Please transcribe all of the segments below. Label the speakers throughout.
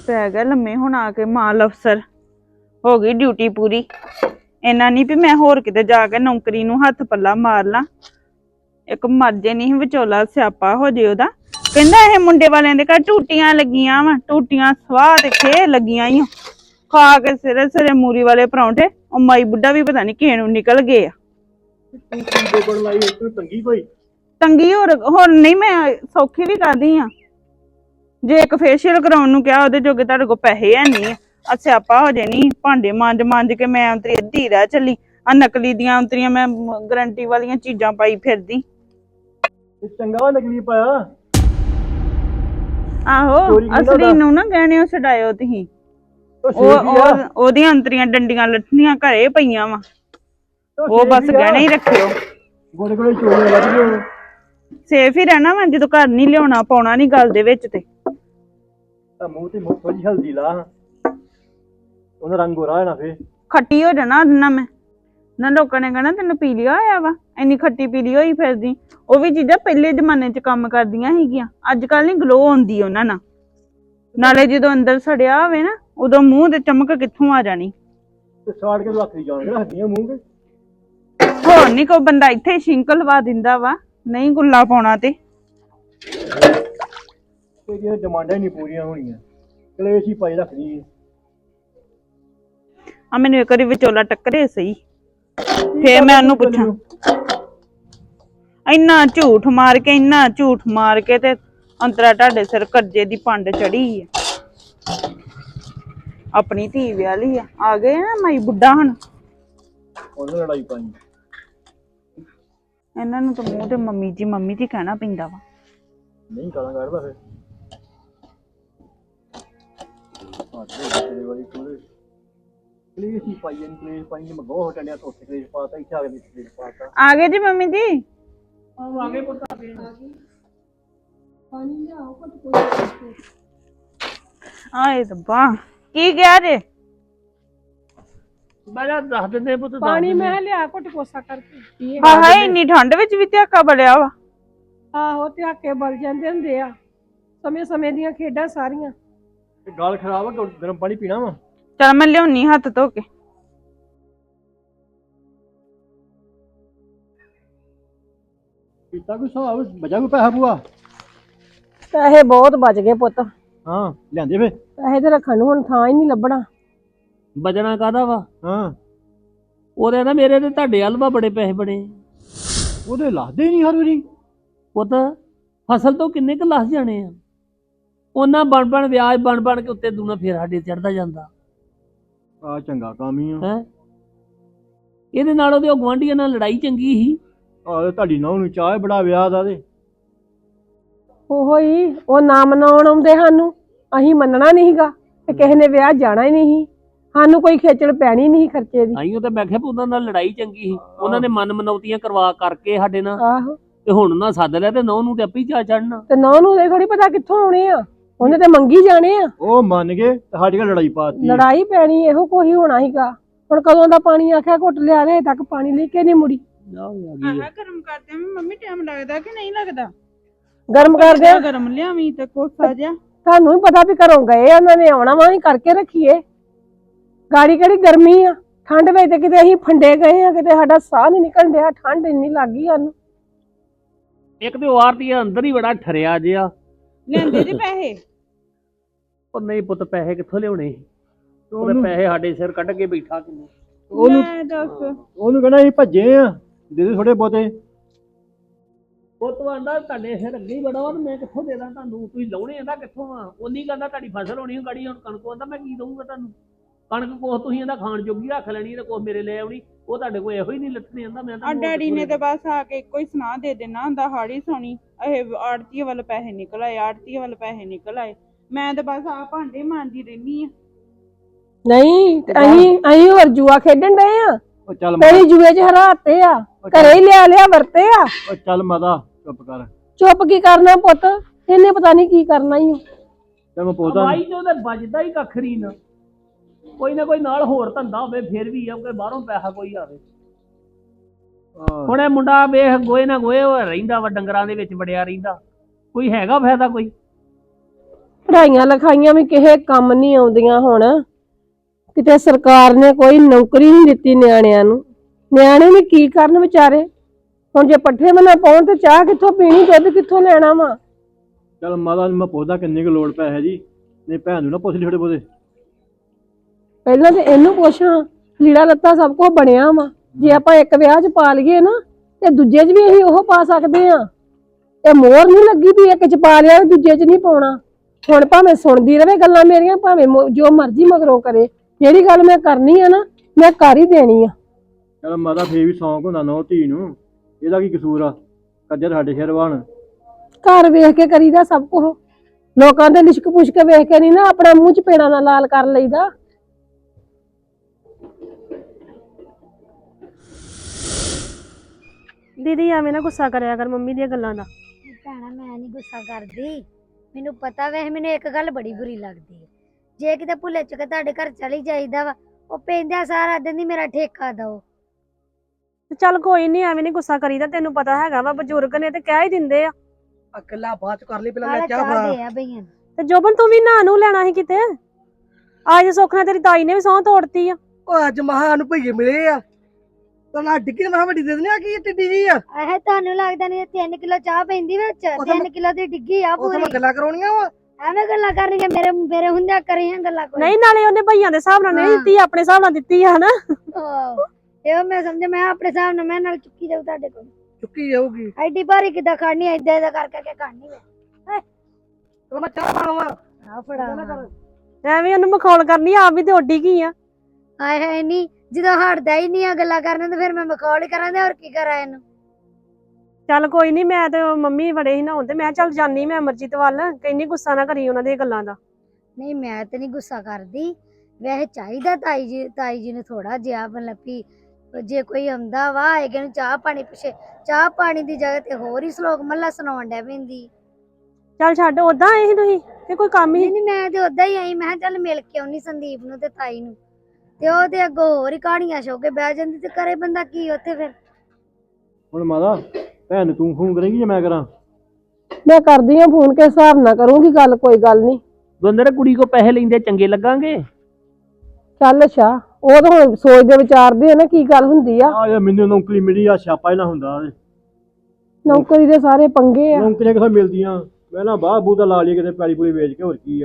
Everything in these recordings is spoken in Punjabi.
Speaker 1: ਪੈ ਗਿਆ ਲੰਮੇ ਹੁਣ ਆ ਕੇ ਮਾਲ ਅਫਸਰ ਹੋ ਗਈ ਡਿਊਟੀ ਪੂਰੀ। ਇੰਨਾ ਨਹੀਂ ਵੀ ਮੈਂ ਹੋਰ ਕਿਤੇ ਜਾ ਕੇ ਨੌਕਰੀ ਨੂੰ ਹੱਥ ਪੱਲਾ ਮਾਰ ਲਾਂ। ਇੱਕ ਮਰਜੇ ਨਹੀਂ ਵਿਚੋਲਾ ਸਿਆਪਾ ਹੋ ਜੇ ਉਹਦਾ। ਕਹਿੰਦਾ ਇਹ ਮੁੰਡੇ ਵਾਲਿਆਂ ਦੇ ਘਰ ਟੂਟੀਆਂ ਲੱਗੀਆਂ ਵਾ, ਟੂਟੀਆਂ ਸਵਾਹ ਤੇ ਖੇ ਲੱਗੀਆਂ ਈ ਖਾ ਕੇ ਸਿਰੇ ਸਿਰੇ ਮੂਰੀ ਵਾਲੇ ਪਰੌਂਠੇ। ਉਹ ਮਾਈ ਬੁੱਢਾ ਵੀ ਪਤਾ ਨਹੀਂ ਕਿਹੇ ਨੂੰ ਨਿਕਲ ਗਏ ਆ। ਤੰਗੀ ਹੋਰ ਨਹੀਂ, ਮੈਂ ਸੌਖੀ ਵੀ ਕਰਦੀ ਆ। ਜੇ ਇੱਕ ਫੇਸ਼ੀਅਲ ਕਰਾਉਣ ਨੂੰ ਕਿਹਾ ਉਹਦੇ ਜੋਗੇ ਤੁਹਾਡੇ ਕੋਲ ਪੈਸੇ ਹੈ ਨਹੀਂ ਆ। ਸਿਆਪਾ ਹੋ ਜੇ ਨੀ ਭਾਂਡੇ ਮਾਂਜ ਕੇ ਮੈਂ ਅੰਤਰੀ ਅੱਧੀ ਰਹਿ ਚੱਲੀ। ਆ ਨਕਲੀ ਦੀਆਂ ਅੰਤਰੀਆਂ ਮੈਂ ਗਰੰਟੀ ਵਾਲੀਆਂ ਚੀਜ਼ਾਂ ਪਾਈ ਫਿਰਦੀ।
Speaker 2: ਚੰਗਾ ਨਕਲੀ ਪਾਇਆ।
Speaker 1: ਆਹੋ ਅਸਲੀ ਨੂੰ ਨਾ ਗਹਿਣਿਓ ਛਡਾਇਓ ਤੁਸੀਂ। ਉਹਦੀਆਂ ਅੰਤਰੀਆਂ ਡੰਡੀਆਂ ਲੱਠੀਆਂ ਘਰੇ ਪਈਆਂ ਵਾ, ਉਹ ਬਸ ਗਹਿਣੇ ਹੀ ਰੱਖਿਓ।
Speaker 2: ਗੋਲੇ ਗੋਲੇ ਚੋਰੀਆਂ ਲੱਗ ਗਈਆਂ।
Speaker 1: ਸੇਫ ਹੀ ਰਹਿਣਾ ਵਾ ਜਦੋਂ ਘਰ ਨਹੀਂ ਲਿਆਉਣਾ ਪਾਉਣਾ ਨੀ ਗੱਲ ਦੇ ਵਿੱਚ। ਤੇ
Speaker 2: ਮੂੰਹ ਤੇ ਥੋੜੀ ਹਲਦੀ ਲਾ, ਉਹਦਾ ਰੰਗ ਗੋਰਾ ਹੋਣਾ ਫੇਰ
Speaker 1: ਖੱਟੀ ਹੋ ਜਾਣਾ ਉਹਦੇ ਨਾਲ। ਮੈਂ ਨਾ ਲੋਕਾਂ ਨੇ ਕਹਿਣਾ ਤੈਨੂੰ ਪੀਲੀਆ ਹੋਇਆ ਵਾ, ਇੰਨੀ ਖੱਟੀ ਪੀਲੀ ਹੋਈ ਫਿਰਦੀ। ਉਹ ਵੀ ਚੀਜ਼ਾਂ ਪਹਿਲੇ ਜ਼ਮਾਨੇ 'ਚ ਕੰਮ ਕਰਦੀਆਂ ਸੀਗੀਆਂ, ਅੱਜ ਕੱਲ ਨੀ ਗਲੋ ਆਉਂਦੀ ਉਹਨਾਂ ਨਾਲ। ਨਾਲੇ ਜਦੋਂ ਅੰਦਰ ਸੜਿਆ ਹੋਵੇ ਨਾ ਉਦੋਂ ਮੂੰਹ ਤੇ ਚਮਕ ਕਿੱਥੋਂ ਆ ਜਾਣੀ।
Speaker 2: ਤੇ ਸਾੜ ਕੇ ਲੱਖ ਦੀ ਜਾਣ ਕੇ ਰੱਖਦੀਆਂ ਮੂੰਹ ਤੇ।
Speaker 1: ਹੋਰ ਨੀ ਕੋਈ ਬੰਦਾ ਇੱਥੇ ਛਿੰਕ ਲਵਾ ਦਿੰਦਾ ਵਾ, ਨਹੀਂ ਗੁੱਲਾ ਪਾਉਣਾ ਤੇ
Speaker 2: ਇਹ ਡਿਮਾਂਡਾਂ ਹੀ ਨਹੀਂ ਪੂਰੀਆਂ ਹੋਣੀਆਂ, ਕਲੇਸ਼ ਹੀ ਪਾਈ ਰੱਖਦੀ।
Speaker 1: ਆ ਮੈਨੂੰ ਇੱਕ ਵਾਰੀ ਵਿਚੋਲਾ ਟੱਕਰੇ ਸਹੀ, ਫੇਰ ਮੈਂ ਉਹਨੂੰ ਪੁੱਛਾਂ। ਇੰਨਾ ਝੂਠ ਮਾਰ ਕੇ ਤੇ ਅੰਤਰਾ ਤੁਹਾਡੇ ਸਿਰ ਕਰਜ਼ੇ ਦੀ ਪੰਡ ਚੜੀ ਆ। ਆਪਣੀ ਧੀ ਵਿਆਹਲੀ ਆ ਗਏ ਨਾ ਮਾਈ ਬੁੱਢਾ ਹੁਣ
Speaker 2: ਉਹਨੇ ਲੜਾਈ ਪਾਈ।
Speaker 1: ਇਹਨਾਂ ਨੂੰ ਤਾਂ ਮੂੰਹ ਤੇ ਮੰਮੀ ਜੀ ਕਹਿਣਾ ਪੈਂਦਾ ਵਾ।
Speaker 2: ਨਹੀਂ ਗਾਲਾਂ ਕੱਢਦਾ ਫਿਰ
Speaker 1: ਆ ਗਏ ਜੀ ਮੰਮੀ ਜੀ। ਆਏ ਰੱਬਾ ਕੀ ਕਿਹਾ ਜੇ?
Speaker 2: ਦੱਸ ਦਿੰਦੇ ਪੁੱਤ
Speaker 3: ਪਾਣੀ ਮੈਂ ਲਿਆ ਘੁੱਟ ਕੋਸਾ ਕਰਕੇ।
Speaker 1: ਹਾਏ ਇੰਨੀ ਠੰਡ ਵਿੱਚ ਵੀ ਧਿਆਕਾ ਬਲਿਆ ਵਾ।
Speaker 3: ਆਹੋ ਧਿਆਕੇ ਬਲ ਜਾਂਦੇ ਹੁੰਦੇ ਆ, ਸਮੇਂ ਦੀਆਂ ਖੇਡਾਂ ਸਾਰੀਆਂ।
Speaker 2: ਗਾਲ ਖਰਾਬ ਆ, ਗਰਮ ਪਾਣੀ ਪੀਣਾ ਵਾ।
Speaker 1: ਚੱਲ ਮੈਂ ਲਿਆਉਣੀ ਹੱਥ ਧੋ ਕੇ।
Speaker 2: ਪੀਤਾ ਕੋਈ ਹਿਸਾਬ ਬਚਾ ਕੋਈ ਪੈਸਾ ਪੂਆ?
Speaker 3: ਪੈਸੇ ਬਹੁਤ ਬਚ ਗਏ ਪੁੱਤ।
Speaker 2: ਹਾਂ ਲਿਆਂਦੇ ਫੇ
Speaker 3: ਪੈਸੇ ਤੇ ਰੱਖਣ ਨੂੰ ਹੁਣ ਥਾਂ ਹੀ ਨਹੀਂ ਲੱਭਣਾ।
Speaker 4: ਬਚਣਾ ਕਾਹਦਾ ਵਾ?
Speaker 2: ਹਾਂ
Speaker 4: ਉਹਦੇ ਨਾ ਮੇਰੇ ਤੇ ਤੁਹਾਡੇ ਹਲਵਾ ਬੜੇ ਪੈਸੇ ਬਣੇ।
Speaker 2: ਉਹਦੇ ਲਾਦੇ ਹੀ ਨਹੀਂ ਹਰ ਵਾਰੀ।
Speaker 4: ਪੁੱਤ ਫਸਲ ਤੋਂ ਕਿੰਨੇ ਕੁ ਲੱਥ ਜਾਣੇ ਆ? ਉਹਨਾਂ ਬਣ ਵਿਆਜ ਬਣ ਕੇ ਉੱਤੇ ਦੂਣਾ ਫੇਰ ਸਾਡੇ ਚੜਦਾ ਜਾਂਦਾ।
Speaker 2: ਆ ਚੰਗਾ ਕੰਮ ਹੀ ਆ।
Speaker 4: ਹੈ ਇਹਦੇ ਨਾਲ ਉਹਦੇ ਗੁਆਂਢੀਆਂ ਨਾਲ ਲੜਾਈ ਚੰਗੀ ਸੀ।
Speaker 2: ਆ ਤੁਹਾਡੀ ਨੌਂ ਨੂੰ ਚਾਹ ਬੜਾ ਵਿਆਹ ਦਾ ਤੇ
Speaker 3: ਉਹੋ ਹੀ ਉਹ ਨਾ ਮਨਾਉਣ ਆਉਂਦੇ ਸਾਨੂੰ, ਅਸੀਂ ਮੰਨਣਾ ਨਹੀਂ ਸੀਗਾ ਤੇ ਕਿਸੇ ਨੇ ਵਿਆਹ ਜਾਣਾ ਹੀ ਨਹੀਂ ਸੀ। ਸਾਨੂੰ ਕੋਈ ਖੇਚਲ ਪੈਣੀ ਨਹੀਂ ਖਰਚੇ ਦੀ।
Speaker 4: ਆਈਓ ਤਾਂ ਮੈਂ ਕਿਹਾ ਉਹਨਾਂ ਨਾਲ ਲੜਾਈ ਚੰਗੀ ਸੀ। ਉਹਨਾਂ ਨੇ ਮਨ ਮਨੌਤੀਆਂ ਕਰਵਾ ਕਰਕੇ ਸਾਡੇ ਨਾਲ
Speaker 3: ਆਹੋ
Speaker 4: ਤੇ ਹੁਣ ਉਹਨਾਂ ਸੱਦ ਲਿਆ ਤੇ ਨੌ ਨੂੰ ਤੇ ਆਪੇ ਚਾ ਚੜਨਾ।
Speaker 3: ਤੇ ਨੌ ਨੂੰ ਇਹ ਥੋੜੀ ਪਤਾ ਕਿੱਥੋਂ ਆਉਣੇ ਆ, ਉਹਨੇ ਤੇ ਮੰਗੀ ਜਾਣੇ ਆ।
Speaker 2: ਉਹ ਮੰਨ ਗਏ ਤੇ ਸਾਡੀ ਨਾਲ ਲੜਾਈ ਪਾਤੀ।
Speaker 3: ਲੜਾਈ ਪੈਣੀ ਇਹੋ ਕੋਈ ਹੋਣਾ ਸੀਗਾ। ਹੁਣ ਕਦੋਂ ਦਾ ਪਾਣੀ ਆਖਿਆ ਘੁੱਟ ਲਿਆ ਦੇ ਤੱਕ ਪਾਣੀ ਲੈ ਕੇ ਨਹੀਂ ਮੁੜੀ।
Speaker 1: ਗਰਮ ਕਰਦੇ ਮੰਮੀ ਟਾਈਮ ਲੱਗਦਾ ਕਿ ਨਹੀਂ ਲੱਗਦਾ?
Speaker 3: ਗਰਮ ਕਰਦੇ
Speaker 1: ਗਰਮ ਲਿਆਵੀਂ ਤੇ ਕੋਸਾ ਜਿਹਾ।
Speaker 3: ਤੁਹਾਨੂੰ ਵੀ ਪਤਾ ਵੀ ਘਰੋਂ ਗਏ ਉਹਨਾਂ ਨੇ ਆਉਣਾ ਵਾ, ਅਸੀਂ ਕਰਕੇ ਰੱਖੀਏ। ਗਾੜੀ ਕਿਹੜੀ ਗਰਮੀ ਆ, ਠੰਡ ਵਿੱਚ ਤੇ ਕਿਤੇ ਅਸੀਂ ਫੰਡੇ ਗਏ ਆ, ਕਿਤੇ ਸਾਡਾ ਸਾਹ ਨਹੀਂ ਨਿਕਲ ਡਿਆ, ਠੰਡ ਇੰਨੀ ਲੱਗ ਗਈ ਸਾਨੂੰ।
Speaker 4: ਇੱਕ ਤੇ ਉਹ ਆਰਤੀ ਅੰਦਰ ਹੀ ਬੜਾ ਠਰਿਆ ਜਿਆ।
Speaker 1: ਲੈਂਦੇ ਜੀ ਪੈਸੇ?
Speaker 4: ਉਹ ਨਹੀਂ ਪੁੱਤ ਪੈਸੇ ਕਿੱਥੋਂ ਲਿਆਉਣੇ? ਉਹਦੇ ਪੈਸੇ ਸਾਡੇ ਸਿਰ ਕੱਢ ਕੇ ਬੈਠਾ ਕਿੰਨੇ।
Speaker 2: ਉਹਨੂੰ ਕਹਿਣਾ ਅਸੀਂ ਭੱਜੇ ਆ, ਦੇ ਦੇ ਥੋੜੇ ਬਹੁਤੇ।
Speaker 4: ਉਹ ਤੋਂ ਆਂਦਾ ਤੁਹਾਡੇ ਸਿਰ ਅੱਗੇ ਹੀ ਬੜਾ ਵਾ, ਮੈਂ ਕਿੱਥੋਂ ਦੇ ਦਾਂ ਤੁਹਾਨੂੰ? ਤੁਸੀਂ ਲਾਉਣੇ ਆਂਦਾ ਕਿੱਥੋਂ ਆ? ਉਨੀ ਕਹਿੰਦਾ ਤੁਹਾਡੀ ਫਸਲ ਹੋਣੀ ਗਾੜੀ, ਹੁਣ ਕਣਕ ਆਂਦਾ ਮੈਂ ਕੀ ਦਊਂਗਾ ਤੁਹਾਨੂੰ? ਕਣਕ ਕੋਹ ਤੁਸੀਂ ਇਹਦਾ ਖਾਣ ਜੋਗੀ ਰੱਖ ਲੈਣੀ ਤੇ ਕੋਹ ਮੇਰੇ ਲੈ ਆਉਣੀ। ਉਹ ਤੁਹਾਡੇ ਕੋਲ ਇਹੋ ਹੀ ਨਹੀਂ ਲੱਥਣੇ ਆਂਦਾ। ਮੈਂ ਤਾਂ
Speaker 1: ਡੈਡੀ ਨੇ ਤੇ ਬਸ ਆ ਕੇ ਇੱਕੋ ਹੀ ਸੁਣਾ ਦੇ ਦੇਣਾ ਹੁੰਦਾ, ਹਾੜੀ ਸੋਣੀ ਇਹ ਆੜਤੀਏ ਵੱਲ ਪੈਸੇ ਨਿਕਲ ਆਏ, ਆੜਤੀਏ ਵੱਲ ਪੈਸੇ ਨਿਕਲ ਆਏ। ਮੈਂ ਤੇ ਬਸ ਆ ਭਾਂਡੇ ਮਾਂਜਦੀ ਰਹਿਨੀ ਆ।
Speaker 3: ਨਹੀਂ ਅਸੀਂ ਹੋਰ ਜੂਆ ਖੇਡਣ ਡਏ ਆ।
Speaker 2: ਉਹ ਚੱਲ
Speaker 3: ਮੇਰੀ ਜੂਏ 'ਚ ਹਰਾਤੇ ਆ, ਘਰੇ ਹੀ ਲਿਆ ਵਰਤੇ ਆ।
Speaker 2: ਉਹ ਚੱਲ ਮਾਤਾ ਚੁੱਪ ਕਰ।
Speaker 3: ਚੁੱਪ ਕੀ ਕਰਨਾ ਪੁੱਤ, ਇਹਨੇ ਪਤਾ ਨਹੀਂ ਕੀ ਕਰਨਾ ਹੀ।
Speaker 2: ਤੇ ਮੈਂ ਪੁੱਛਦਾ
Speaker 4: ਭਾਈ ਤੇ ਉਹਦੇ ਵੱਜਦਾ ਹੀ ਕੱਖ ਨਹੀਂ ਨਾ। ਕੋਈ ਨਾ ਕੋਈ ਨਾਲ ਹੋਰ ਧੰਦਾ ਹੋਵੇ ਫੇਰ ਵੀ ਆ, ਕੋਈ ਬਾਹਰੋਂ ਪੈਸਾ ਕੋਈ ਆਵੇ। ਹੁਣ ਇਹ ਮੁੰਡਾ ਵੇਖ ਗੋਏ ਨਾ ਗੋਏ ਰਹਿੰਦਾ ਵਾ, ਡੰਗਰਾਂ ਦੇ ਵਿੱਚ ਵੜਿਆ ਰਹਿੰਦਾ। ਕੋਈ ਹੈਗਾ ਫਾਇਦਾ ਕੋਈ?
Speaker 3: ਪੜ੍ਹਾਈਆਂ ਲਿਖਾਈਆਂ ਵੀ ਕਿਸੇ ਕੰਮ ਨਹੀਂ ਆਉਂਦੀਆਂ ਹੁਣ। ਕਿਤੇ ਸਰਕਾਰ ਨੇ ਕੋਈ ਨੌਕਰੀ ਨਹੀਂ ਦਿੱਤੀ ਨਿਆਣਿਆਂ ਨੂੰ। ਨਿਆਣੇ ਵੀ ਕੀ ਕਰਨ ਵਿਚਾਰੇ। ਹੁਣ ਜੇ ਪੱਠੇ ਬਣਾ ਪਾਉਣ ਤੇ ਚਾਹ ਕਿੱਥੋਂ ਪੀਣੀ, ਦੁੱਧ ਕਿੱਥੋਂ ਲੈਣਾ ਵਾ।
Speaker 2: ਚੱਲ ਮਾਤਾ ਨੂੰ ਮੈਂ ਪੁੱਛਦਾ ਕਿੰਨੀ ਕੁ ਲੋੜ ਪੈ ਹੈ ਜੀ, ਨਹੀਂ ਭੈਣ ਨੂੰ ਨਾ ਪੁੱਛ ਲਈ ਥੋੜੇ ਬਹੁਤੇ।
Speaker 3: ਪਹਿਲਾਂ ਤੇ ਇਹਨੂੰ ਪੁੱਛਾਂ, ਲੀੜਾ ਲੱਤਾ ਸਭ ਕੁਝ ਬਣਿਆ ਵਾ। ਜੇ ਆਪਾਂ ਇੱਕ ਵਿਆਹ 'ਚ ਪਾ ਲਈਏ ਨਾ ਤੇ ਦੂਜੇ 'ਚ ਵੀ ਅਸੀਂ ਉਹ ਪਾ ਸਕਦੇ ਆ। ਇਹ ਮੋਹਰ ਨਹੀਂ ਲੱਗੀ ਵੀ ਇੱਕ 'ਚ ਪਾ ਲਿਆ ਦੂਜੇ 'ਚ ਨਹੀਂ ਪਾਉਣਾ। ਹੁਣ ਭਾਵੇਂ ਸੁਣਦੀ ਰਵੇ ਗੱਲਾਂ ਮੇਰੀਆਂ, ਭਾਵੇਂ ਜੋ ਮਰਜ਼ੀ ਮਗਰੋਂ ਕਰੇ, ਜਿਹੜੀ ਗੱਲ ਮੈਂ ਕਰਨੀ ਆ ਨਾ ਮੈਂ ਕਰ ਹੀ ਦੇਣੀ ਆ।
Speaker 2: ਚੱਲ ਮਾਤਾ ਫੇਰ ਵੀ ਸ਼ੌਂਕ ਹੁੰਦਾ ਨਾ ਧੀ ਨੂੰ, ਇਹਦਾ ਕੀ ਕਸੂਰ ਆ। ਕੱਜਾ ਸਾਡੇ ਸ਼ਹਿਰਵਾਨ
Speaker 3: ਘਰ ਵੇਖ ਕੇ ਕਰੀਦਾ ਸਭ ਕੁਝ। ਲੋਕਾਂ ਦੇ ਲਿਸ਼ਕ ਪੁਸ਼ਕ ਵੇਖ ਕੇ ਨਹੀਂ ਨਾ ਆਪਣਾ ਮੂੰਹ 'ਚ ਪੇੜਾਂ ਨਾਲ ਲਾਲ ਕਰ ਲਈਦਾ।
Speaker 5: ਦੀਦੀ ਐਵੇਂ ਨਾ ਗੁੱਸਾ ਕਰਿਆ ਕਰ ਮੰਮੀ ਦੀਆਂ ਗੱਲਾਂ ਦਾ।
Speaker 6: ਭੈਣਾ ਮੈਂ ਨਹੀਂ ਗੁੱਸਾ ਕਰਦੀ, ਮੈਨੂੰ ਪਤਾ ਵੈਸੇ ਮੈਨੂੰ ਇੱਕ ਗੱਲ ਬੜੀ ਬੁਰੀ ਲੱਗਦੀ ਹੈ। ਜੇ ਕਿਤੇ ਭੁੱਲੇ ਚੁੱਕੇ ਤੁਹਾਡੇ ਘਰ ਚਲੀ ਜਾਈਦਾ ਵਾ, ਉਹ ਪੈਂਦਾ ਸਾਰਾ ਦਿਨ ਹੀ ਮੇਰਾ ਠੇਕਾ ਦਓ।
Speaker 5: ਤੇ ਚੱਲ ਕੋਈ ਨਹੀਂ, ਐਵੇਂ ਨਹੀਂ ਗੁੱਸਾ ਕਰੀਦਾ। ਤੈਨੂੰ ਪਤਾ ਹੈਗਾ ਵਾ ਬਜ਼ੁਰਗ ਨੇ ਤੇ ਕਹਿ ਹੀ ਦਿੰਦੇ ਆ।
Speaker 7: ਅਕਲਾ ਬਾਅਦ ਚ ਕਰ ਲਈ, ਪਹਿਲਾਂ
Speaker 6: ਆਲਾ
Speaker 7: ਮੈਂ ਚਾਹ
Speaker 6: ਚਾਹ
Speaker 7: ਬਣਾ।
Speaker 6: ਦੇ ਆ ਬਈਆਂ ਨੂੰ।
Speaker 5: ਤੇ ਜੋਬਨ ਤੂੰ ਵੀ ਨਹਾ ਨੂੰ ਲੈਣਾ ਸੀ ਕਿਤੇ। ਅੱਜ ਸੁੱਖ ਨਾਲ ਤੇਰੀ ਤਾਈ ਨੇ ਵੀ ਸਹੁੰ ਤੋੜਤੀ ਆ।
Speaker 7: ਉਹ ਅੱਜ ਮਹਾਂ ਨੂੰ ਭਈਏ ਮਿਲੇ ਆ, ਤਾਂ ਡਿੱਗੀ ਮਹਾਂ ਵੱਡੀ ਦੇ ਦਿੰਦੇ ਆ ਕੀ ਟਿੱਡੀ ਜੀ ਆ।
Speaker 6: ਆਹ ਤੁਹਾਨੂੰ ਲੱਗਦਾ ਨਹੀਂ 3 ਕਿਲੋ ਚਾਹ ਪੈਂਦੀ ਵਿੱਚ,
Speaker 7: ਉਹ ਤਾਂ
Speaker 6: 3 ਕਿਲੋ ਦੀ ਡਿੱਗੀ ਆ
Speaker 7: ਉਹ
Speaker 6: ਪੂਰੀ।
Speaker 7: ਮੈਂ ਗੱਲਾਂ ਕਰਾਉਣੀਆਂ ਵਾ।
Speaker 6: ਐਵੇਂ ਗੱਲਾਂ ਕਰਨੀਆਂ, ਮੇਰੇ ਹੁੰਦਿਆਂ ਕਰੀਆਂ ਗੱਲਾਂ ਕੋਈ।
Speaker 5: ਨਹੀਂ ਨਾਲੇ ਉਹਨੇ ਭਈਆਂ ਦੇ ਹਿਸਾਬ ਨਾਲ ਨਹੀਂ ਦਿੱਤੀ, ਆਪਣੇ ਹਿਸਾਬ ਨਾਲ ਦਿੱਤੀ ਆ ਹਨਾ।
Speaker 6: ਇਹ ਮੈਂ ਸਮਝ, ਮੈਂ ਆਪਣੇ ਹਿਸਾਬ ਨਾਲ ਮੈਂ ਨਾਲ ਚੁੱਕੀ ਜਾਊ ਤੁਹਾਡੇ ਕੋਲ।
Speaker 7: ਚੁੱਕੀ ਜਾਊਗੀ।
Speaker 6: ਐਡੀ ਭਾਰੀ ਕਿੱਦਾਂ ਖੜਨੀ, ਏਦਾਂ ਏਦਾਂ ਕਰਕੇ ਖੜਨੀ ਵੇ।
Speaker 7: ਚਲੋ ਮੈਂ ਚਾਹ ਬਣਾਵਾਂ।
Speaker 6: ਆ ਫੜਾ।
Speaker 5: ਐਵੇਂ ਉਹਨੂੰ ਮਖੌਲ ਕਰਨੀ, ਆਪ ਵੀ ਤੇ ਉੱਡੀ ਗਈ ਆ।
Speaker 6: ਆਏ ਹੈ ਨਹੀਂ, ਜਦੋਂ ਹਟਦਾ ਹੀ ਨਹੀਂ ਆ ਗੱਲਾਂ ਕਰਨ ਤੇ ਫਿਰ ਮੈਂ ਮਖੌਲ ਹੀ ਕਰਾਂ ਤੇ ਹੋਰ ਕੀ ਕਰਾਂ ਇਹਨੂੰ।
Speaker 5: ਚੱਲ ਕੋਈ ਨਹੀਂ, ਮੈਂ ਤੇ ਮੰਮੀ ਬੜੇ ਹੀ ਨਹਾਉਣ ਤੇ ਮੈਂ ਚੱਲ ਜਾਨੀ ਮੈਂ ਅਮਰਜੀਤ ਵੱਲ। ਕਹਿੰਦੀ ਗੁੱਸਾ ਨਾ ਕਰੀ ਉਹਨਾਂ ਦੀਆਂ ਗੱਲਾਂ ਦਾ।
Speaker 6: ਨਹੀਂ ਮੈਂ ਤੇ ਨਹੀਂ ਗੁੱਸਾ ਕਰਦੀ, ਵੈਸੇ ਚਾਹੀਦਾ ਤਾਈ ਜੀ ਨੂੰ ਥੋੜਾ ਜਿਹਾ ਮਤਲਬ ਵੀ ਜੇ ਕੋਈ ਆਉਂਦਾ ਵਾ ਹੈਗੇ ਨੂੰ ਚਾਹ ਪਾਣੀ ਪੁੱਛੇ, ਚਾਹ ਪਾਣੀ ਦੀ ਜਗ੍ਹਾ ਤੇ ਹੋਰ ਹੀ ਸ਼ਲੋਕ ਮੱਲਾ ਸੁਣਾਉਣ ਡੈ ਪੈਂਦੀ।
Speaker 5: ਚੱਲ ਛੱਡ, ਓਦਾਂ ਆਏ ਸੀ ਤੁਸੀਂ ਤੇ ਕੋਈ ਕੰਮ ਹੀ।
Speaker 6: ਨਹੀਂ ਮੈਂ ਤੇ ਓਦਾਂ ਹੀ ਆਈ, ਮੈਂ ਕਿਹਾ ਚੱਲ ਮਿਲ ਕੇ ਆਉਣੀ ਸੰਦੀਪ ਨੂੰ ਤੇ ਤਾਈ ਨੂੰ, ਤੇ ਉਹਦੇ ਅੱਗੋਂ ਹੋਰ ਹੀ ਕਹਾਣੀਆਂ ਛੋ ਕੇ ਬਹਿ ਜਾਂਦੀ ਤੇ ਕਰੇ ਬੰਦਾ ਕੀ ਉੱਥੇ ਫਿਰ।
Speaker 2: ਹੁਣ ਮਾਤਾ ਭੈਣ ਨੂੰ ਤੂੰ ਫੋਨ ਕਰੇਂਗੀ ਜਾਂ ਮੈਂ ਕਰਾਂ?
Speaker 3: ਮੈਂ ਕਰਦੀ ਆ ਫੋਨ, ਕੇ ਹਿਸਾਬ ਨਾਲ ਕਰੂੰਗੀ ਗੱਲ, ਕੋਈ ਗੱਲ ਨਹੀਂ।
Speaker 4: ਦੋਨੋਂ ਕੁੜੀ ਕੋ ਪੈਸੇ ਲੈਂਦੇ ਚੰਗੇ ਲੱਗਾਂਗੇ।
Speaker 3: ਚੱਲ ਅੱਛਾ, ਉਹ ਤਾਂ ਹੁਣ ਸੋਚਦੇ ਵਿਚਾਰਦੇ ਆ ਨਾ ਕੀ ਗੱਲ ਹੁੰਦੀ ਆ।
Speaker 2: ਆ ਯਾਰ ਮੈਨੂੰ ਨੌਕਰੀ ਮਿਲੀ ਆ, ਛਾਪਾ ਹੀ ਨਾ ਹੁੰਦਾ।
Speaker 3: ਨੌਕਰੀ ਦੇ ਸਾਰੇ ਪੰਗੇ ਆ।
Speaker 2: ਨੌਕਰੀਆਂ ਕਿੱਥੋਂ ਮਿਲਦੀਆਂ, ਮੈਂ ਨਾ ਬਾਹ ਬੂਹ ਦਾ ਲਾ ਲਈ ਕਿਤੇ ਪੈਲੀ ਪੂਲੀ ਵੇਚ ਕੇ, ਹੋਰ ਕੀ ਆ।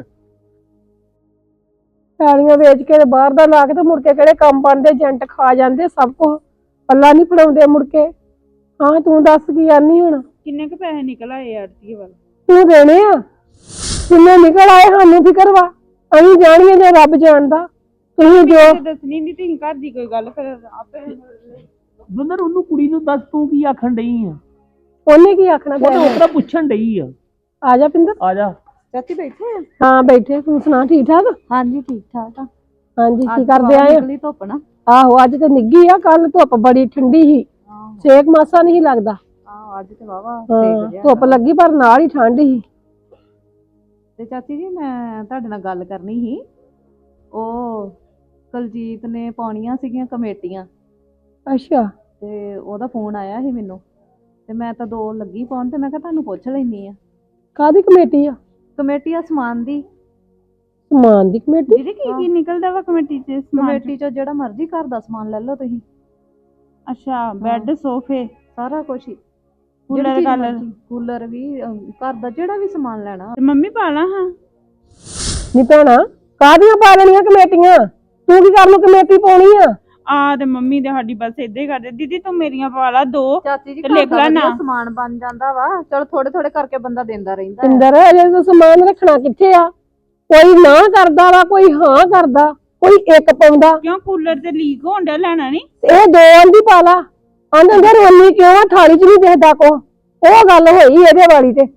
Speaker 3: ਪੈਲੀਆਂ ਵੇਚ ਕੇ ਤੇ ਬਾਹਰ ਦਾ ਲਾ ਕੇ ਤੇ ਮੁੜ ਕੇ ਕਿਹੜੇ ਕੰਮ ਬਣਦੇ, ਏਜੰਟ ਖਾ ਜਾਂਦੇ ਸਭ ਕੁਝ, ਪੱਲਾ ਨਹੀਂ ਫੜਾਉਂਦੇ ਮੁੜ ਕੇ। ਹਾਂ ਤੂੰ ਦੱਸ ਕੀ ਆਨੀ ਹੁਣ?
Speaker 1: ਕਿੰਨੇ ਕੁ ਪੈਸੇ ਨਿਕਲ ਆਏ ਆੜਤੀਏ ਵੱਲ?
Speaker 3: ਤੂੰ ਦੇਣੇ ਆ ਜਿੰਨੇ ਨਿਕਲ ਆਏ, ਸਾਨੂੰ ਫਿਕਰ ਵਾ। ਅਸੀਂ ਜਾਣੀਏ ਜੇ ਰੱਬ ਜਾਣਦਾ। ਤੁਸੀਂ ਜੋ
Speaker 1: ਦੱਸਣੀ ਨਹੀਂ, ਤੁਸੀਂ ਘਰ ਦੀ ਕੋਈ ਗੱਲ ਫਿਰ ਆਪੇ।
Speaker 4: ਦੋਨੋਂ ਉਹਨੂੰ ਕੁੜੀ ਨੂੰ ਦੱਸ ਤੂੰ ਕੀ ਆਖਣ ਡਈ ਆ।
Speaker 3: ਉਹਨੇ ਕੀ ਆਖਣਾ?
Speaker 4: ਉਹ ਤਾਂ ਉਤਰਾ ਪੁੱਛਣ ਡਈ ਆ।
Speaker 3: ਆ ਜਾ ਪਿੰਦਰ।
Speaker 4: ਆ ਜਾ।
Speaker 1: ਚਾਚੀ ਬੈਠੇ ਆ?
Speaker 3: ਹਾਂ ਬੈਠੇ, ਤੂੰ ਸੁਣਾ ਠੀਕ ਠਾਕ?
Speaker 1: ਹਾਂਜੀ ਠੀਕ ਠਾਕ ਆ।
Speaker 3: ਹਾਂਜੀ ਕੀ ਕਰਦੇ ਆਏ?
Speaker 1: ਨਿਕਲੀ ਧੁੱਪ ਨਾ।
Speaker 3: ਆਹੋ ਅੱਜ ਤੇ ਨਿੱਗੀ ਆ, ਕੱਲ ਧੁੱਪ ਬੜੀ ਠੰਡੀ ਸੀ, ਸੇਕ ਮਾਸਾ ਨਹੀਂ ਲੱਗਦਾ।
Speaker 1: ਅੱਜ ਤੇ ਵਾਵਾ
Speaker 3: ਧੁੱਪ ਲੱਗੀ ਪਰ ਨਾਲ ਹੀ ਠੰਡ ਸੀ।
Speaker 8: ਤੇ ਚਾਚੀ ਜੀ ਮੈਂ ਤੁਹਾਡੇ ਨਾਲ ਗੱਲ ਕਰਨੀ ਸੀ। ਉਹ ਕੁਲਜੀਤ ਨੇ ਪਾਉਣੀਆਂ ਸੀਗੀਆਂ ਕਮੇਟੀਆਂ,
Speaker 3: ਅੱਛਾ।
Speaker 8: ਤੇ ਉਹਦਾ ਫੋਨ ਆਇਆ ਸੀ ਮੈਨੂੰ, ਤੇ ਮੈਂ ਤਾਂ 2 ਲੱਗੀ ਪਾਉਣ, ਤੇ ਮੈਂ ਕਿਹਾ ਤੁਹਾਨੂੰ ਪੁੱਛ ਲੈਣੀ ਆ।
Speaker 3: ਕਾਹਦੀ ਕਮੇਟੀ ਆ?
Speaker 8: ਕਮੇਟੀ ਆ ਸਮਾਨ ਦੀ।
Speaker 3: ਸਮਾਨ ਦੀ ਕਮੇਟੀ?
Speaker 1: ਦੀਦੀ ਕੀ ਕੀ ਨਿਕਲਦਾ ਵਾ ਕਮੇਟੀ ਚ?
Speaker 8: ਕਮੇਟੀ ਚੋਂ ਜਿਹੜਾ ਮਰਜ਼ੀ ਘਰ ਦਾ ਸਮਾਨ ਲੈ ਲਓ ਤੁਸੀਂ।
Speaker 1: ਅੱਛਾ, ਬੈੱਡ ਸੋਫੇ
Speaker 8: ਸਾਰਾ ਕੁਛ ਹੀ,
Speaker 1: ਕੂਲਰ
Speaker 8: ਕੂਲਰ ਵੀ, ਘਰ ਦਾ ਜਿਹੜਾ ਵੀ ਸਮਾਨ ਲੈਣਾ।
Speaker 1: ਤੇ ਮੰਮੀ ਪਾ ਲਾ ਹਾਂ।
Speaker 3: ਨੀ ਭੈਣਾ ਕਾਹਦੀਆਂ ਪਾ ਲੈਣੀਆਂ ਕਮੇਟੀਆਂ? ਤੂੰ ਕੀ ਕਰਨ ਨੂੰ ਕਮੇਟੀ ਪਾਉਣੀ ਆ?
Speaker 1: ਆ ਤੇ ਮੰਮੀ ਦੇ ਸਾਡੀ ਬਸ ਏਦਾਂ ਹੀ ਕਰਦੇ। ਦੀਦੀ ਤੂੰ ਮੇਰੀਆਂ ਪਾ ਲਾ 2
Speaker 8: ਚਾਚੀ ਜੀ
Speaker 1: ਤੇ ਲਿਖ ਲੈ ਨਾ।
Speaker 8: ਸਮਾਨ ਬਣ ਜਾਂਦਾ ਵਾ, ਚਲੋ ਥੋੜੇ ਥੋੜੇ ਕਰਕੇ ਬੰਦਾ ਦਿੰਦਾ ਰਹਿੰਦਾ।
Speaker 3: ਇੰਦਰ ਅਜੇ ਤੂੰ ਸਮਾਨ ਰੱਖਣਾ ਕਿੱਥੇ ਆ? ਕੋਈ ਨਾ ਕਰਦਾ ਵਾ, ਕੋਈ ਹਾਂ ਕਰਦਾ, ਕੋਈ ਇੱਕ ਪਾਉਂਦਾ।
Speaker 1: ਕਿਉਂ ਕੂਲਰ ਤੇ ਲੀਕ ਹੋਣ ਡਿਆ, ਲੈਣਾ ਨਹੀਂ?
Speaker 3: ਇਹ 2 ਆਂਦੀ ਪਾ ਲਾ। ਆਂਦੇ ਰੋਣੀ ਕਿਉਂ ਆ, ਥਾਲੀ 'ਚ ਨਹੀਂ ਦਿਖਦਾ ਕੋ। ਉਹ ਗੱਲ ਹੋਈ ਇਹਦੇ ਵਾਲੀ ਤੇ।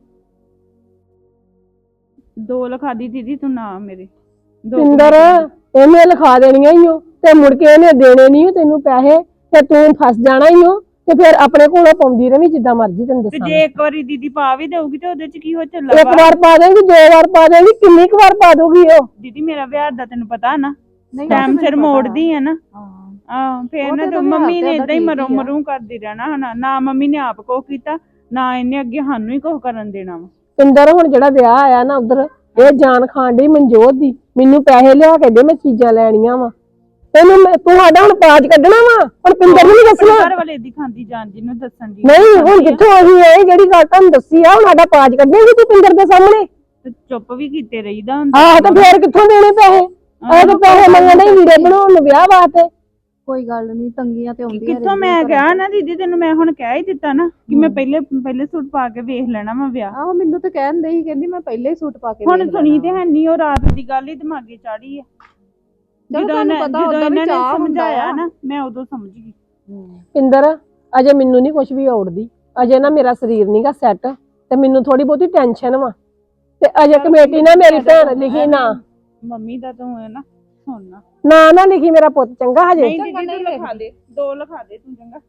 Speaker 1: 2 ਲਿਖਾ ਦੀ ਦੀਦੀ ਤੂੰ ਨਾ ਮੇਰੇ।
Speaker 3: ਇੰਦਰ ਇਹਨੇ ਲਿਖਾ ਦੇਣੀਆਂ ਹੀ ਹੋ, ਤੇ ਮੁੜ ਕੇ ਇਹਨੇ ਦੇਣੇ ਨਹੀਂ ਤੈਨੂੰ ਪੈਸੇ, ਤੇ ਤੂੰ ਫਸ ਜਾਣਾ ਹੀ ਹੋ, ਤੇ ਫਿਰ ਆਪਣੇ ਕੋਲੋਂ ਪਾਉਂਦੀ ਰਵੀਂ ਜਿੱਦਾਂ ਮਰਜ਼ੀ। ਤੈਨੂੰ
Speaker 1: ਤੇ
Speaker 3: ਦੱਸਾਂ
Speaker 1: ਜੇ ਇੱਕ ਵਾਰੀ ਦੀਦੀ ਪਾ ਵੀ ਦੇਊਗੀ ਤੇ ਉਹਦੇ ਚ ਕੀ ਹੋ ਚੱਲਾ
Speaker 3: ਇੱਕ ਵਾਰ ਪਾ ਦੇਂਗੀ, 2 ਵਾਰ ਪਾ ਦੇਂਗੀ, ਕਿੰਨੀ ਕੁ ਵਾਰ ਪਾ ਦੂਗੀ ਉਹ?
Speaker 1: ਦੀਦੀ ਮੇਰਾ ਵਿਆਹ ਦਾ ਤੈਨੂੰ ਪਤਾ ਨਾ,
Speaker 8: ਨਹੀਂ
Speaker 1: ਟਾਈਮ ਸਿਰ ਮੋੜਦੀ ਆ ਨਾ।
Speaker 8: ਹਾਂ
Speaker 1: ਫੇਰ
Speaker 8: ਉਹ
Speaker 1: ਨਾ
Speaker 8: ਤੇ
Speaker 1: ਤੇ
Speaker 8: ਉਹਦਾ
Speaker 1: ਮੰਮੀ ਨੇ
Speaker 8: ਵਿਆਹ
Speaker 1: ਏਦਾਂ ਹੀ
Speaker 8: ਠੀਕ
Speaker 1: ਮਰੋਂ
Speaker 8: ਹੀ ਆ।
Speaker 1: ਮਰੂ ਕਰਦੀ ਰਹਿਣਾ ਹਨਾ। ਨਾ ਮੰਮੀ ਨੇ ਆਪ ਕੁਛ ਕੀਤਾ, ਨਾ ਇਹਨੇ ਅੱਗੇ ਸਾਨੂੰ ਹੀ ਕੁਛ ਕਰਨ ਦੇਣਾ ਵਾ।
Speaker 3: ਪਿੰਦਰ ਹੁਣ ਜਿਹੜਾ ਵਿਆਹ ਆਇਆ ਨਾ ਉਧਰ, ਇਹ ਜਾਨ ਖਾਣ ਡਈ ਮਨਜੋਤ ਦੀ, ਮੈਨੂੰ ਪੈਸੇ ਲਿਆ ਕੇ ਦੇ, ਮੈਂ ਚੀਜ਼ਾਂ ਲੈਣੀਆਂ ਵਾ। ਤੂੰ ਸਾਡਾ ਹੁਣ ਪਾਜ ਕੱਢਣਾ ਵਾ, ਹੁਣ ਪਿੰਦਰ ਨੂੰ ਨੀ ਦੱਸਣਾ।
Speaker 1: ਘਰ ਵਾਲੇ ਦੀ ਖਾਂਦੀ ਜਾਨ ਜਿਹਨੂੰ ਦੱਸਣ ਦੀ
Speaker 3: ਨਹੀਂ ਹੁਣ ਕਿੱਥੋਂ ਅਸੀਂ ਇਹ ਜਿਹੜੀ ਗੱਲ ਤੁਹਾਨੂੰ ਦੱਸੀ ਆ, ਹੁਣ ਸਾਡਾ ਪਾਜ ਕੱਢੇਗੀ ਤੂੰ ਪਿੰਦਰ ਦੇ ਸਾਹਮਣੇ?
Speaker 1: ਤੇ ਚੁੱਪ ਵੀ ਕੀਤੇ ਰਹੀਦਾ ਹੁੰਦਾ।
Speaker 3: ਆਹ ਤੇ ਫੇਰ ਕਿੱਥੋਂ ਦੇਣੇ ਪੈਸੇ? ਆਹ ਤੇ ਪੈਸੇ ਮੰਗਣੇ ਹੀ ਵੀਰੇ ਬਣਾਉਣ ਨੂੰ ਵਿਆਹ ਵਾਸਤੇ।
Speaker 8: ਕੋਈ ਗੱਲ ਨਹੀਂ, ਤੰਗੀਆਂ ਤੇ ਆਉਂਦੀਆਂ
Speaker 1: ਕਿੱਥੋਂ ਮੈਂ ਕਿਹਾ ਨਾ ਦੀਦੀ ਤੈਨੂੰ, ਮੈਂ ਹੁਣ ਕਹਿ ਹੀ ਦਿੱਤਾ ਨਾ ਕਿ ਮੈਂ ਪਹਿਲੇ ਸੂਟ ਪਾ ਕੇ ਵੇਖ ਲੈਣਾ ਵਾ ਵਿਆਹ।
Speaker 8: ਆਹੋ ਮੈਨੂੰ ਤਾਂ ਕਹਿੰਦੇ ਸੀ, ਕਹਿੰਦੀ ਮੈਂ ਪਹਿਲੇ ਹੀ ਸੂਟ ਪਾ ਕੇ
Speaker 1: ਹੁਣ
Speaker 8: ਵੇਖ
Speaker 1: ਸੁਣੀ
Speaker 8: ਲੈਣਾ।
Speaker 1: ਤੇ ਹੈ ਨਹੀਂ, ਉਹ ਰਾਤ ਦੀ ਗੱਲ ਹੀ ਦਿਮਾਗੇ ਚਾੜੀ ਆ। ਜਦੋਂ
Speaker 8: ਤੁਹਾਨੂੰ ਪਤਾ
Speaker 1: ਜਦੋਂ
Speaker 8: ਉਦਾਂ ਵੀ
Speaker 1: ਇਹਨਾਂ ਨੇ
Speaker 8: ਚਾਅ ਹੁੰਦਾ
Speaker 1: ਸਮਝਾਇਆ
Speaker 8: ਆ।
Speaker 1: ਨਾ, ਮੈਂ ਉਦੋਂ ਸਮਝ ਗਈ।
Speaker 3: ਪਿੰਦਰ ਅਜੇ ਮੈਨੂੰ ਨਹੀਂ ਕੁਝ ਵੀ ਔੜਦੀ, ਅਜੇ ਨਾ ਮੇਰਾ ਸਰੀਰ ਨਹੀਂਗਾ ਸੈੱਟ, ਤੇ ਮੈਨੂੰ ਥੋੜੀ ਬਹੁਤੀ ਟੈਨਸ਼ਨ ਵਾ। ਤੇ ਅਜੇ ਕਮੇਟੀ ਨਾ ਮੇਰੀ ਭੈਣ ਲਿਖੀ ਨਾ,
Speaker 1: ਮੰਮੀ ਦਾ ਤੂੰ ਹੈ ਨਾ ਸੁਣਨਾ
Speaker 3: ਨਾ ਲਿਖੀ ਮੇਰਾ ਪੁੱਤ ਚੰਗਾ ਹਜੇ।
Speaker 1: ਨਹੀਂ ਦੀਦੀ ਤੂੰ ਲਿਖਾ ਦੇ, 2 ਲਿਖਾ ਦੇ ਤੂੰ ਚੰਗਾ।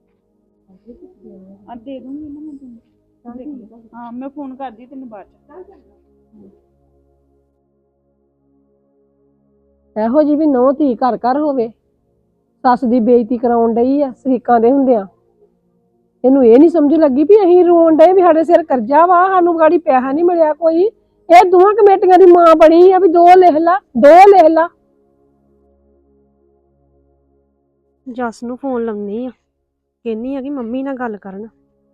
Speaker 1: ਆ ਦੇ ਦੂੰਗੀ ਨਾ ਮੈਂ ਤੈਨੂੰ। ਹਾਂ ਮੈਂ ਫੋਨ ਕਰਦੀ ਤੈਨੂੰ ਬਾਅਦ ਚ।
Speaker 3: ਇਹੋ ਜੀ ਵੀ ਨੌ ਧੀ ਘਰ ਘਰ ਹੋਵੇ, ਸੱਸ ਦੀ ਬੇਇੱਜ਼ਤੀ ਕਰਾਉਣ ਡਈ ਆ ਸ਼ਰੀਕਾਂ ਦੇ ਹੁੰਦਿਆਂ। ਇਹਨੂੰ ਇਹ ਨਹੀਂ ਸਮਝ ਲੱਗੀ ਵੀ ਅਸੀਂ ਰੋਣ ਡਏ ਵੀ ਸਾਡੇ ਸਿਰ ਕਰਜ਼ਾ ਵਾ, ਸਾਨੂੰ ਗਾੜੀ ਪੈਸਾ ਨਹੀਂ ਮਿਲਿਆ ਕੋਈ। ਇਹ ਦੋਹਾਂ ਕਮੇਟੀਆਂ ਦੀ ਮਾਂ ਬਣੀ ਆ ਵੀ 2 ਲਿਖ ਲਾ, 2 ਲਿਖ ਲਾ।
Speaker 5: ਜੱਸ ਨੂੰ ਫੋਨ ਲਾਉਣੀ ਆ, ਕਹਿੰਨੀ ਆ ਕਿ ਮੰਮੀ ਨਾਲ ਗੱਲ ਕਰਨ।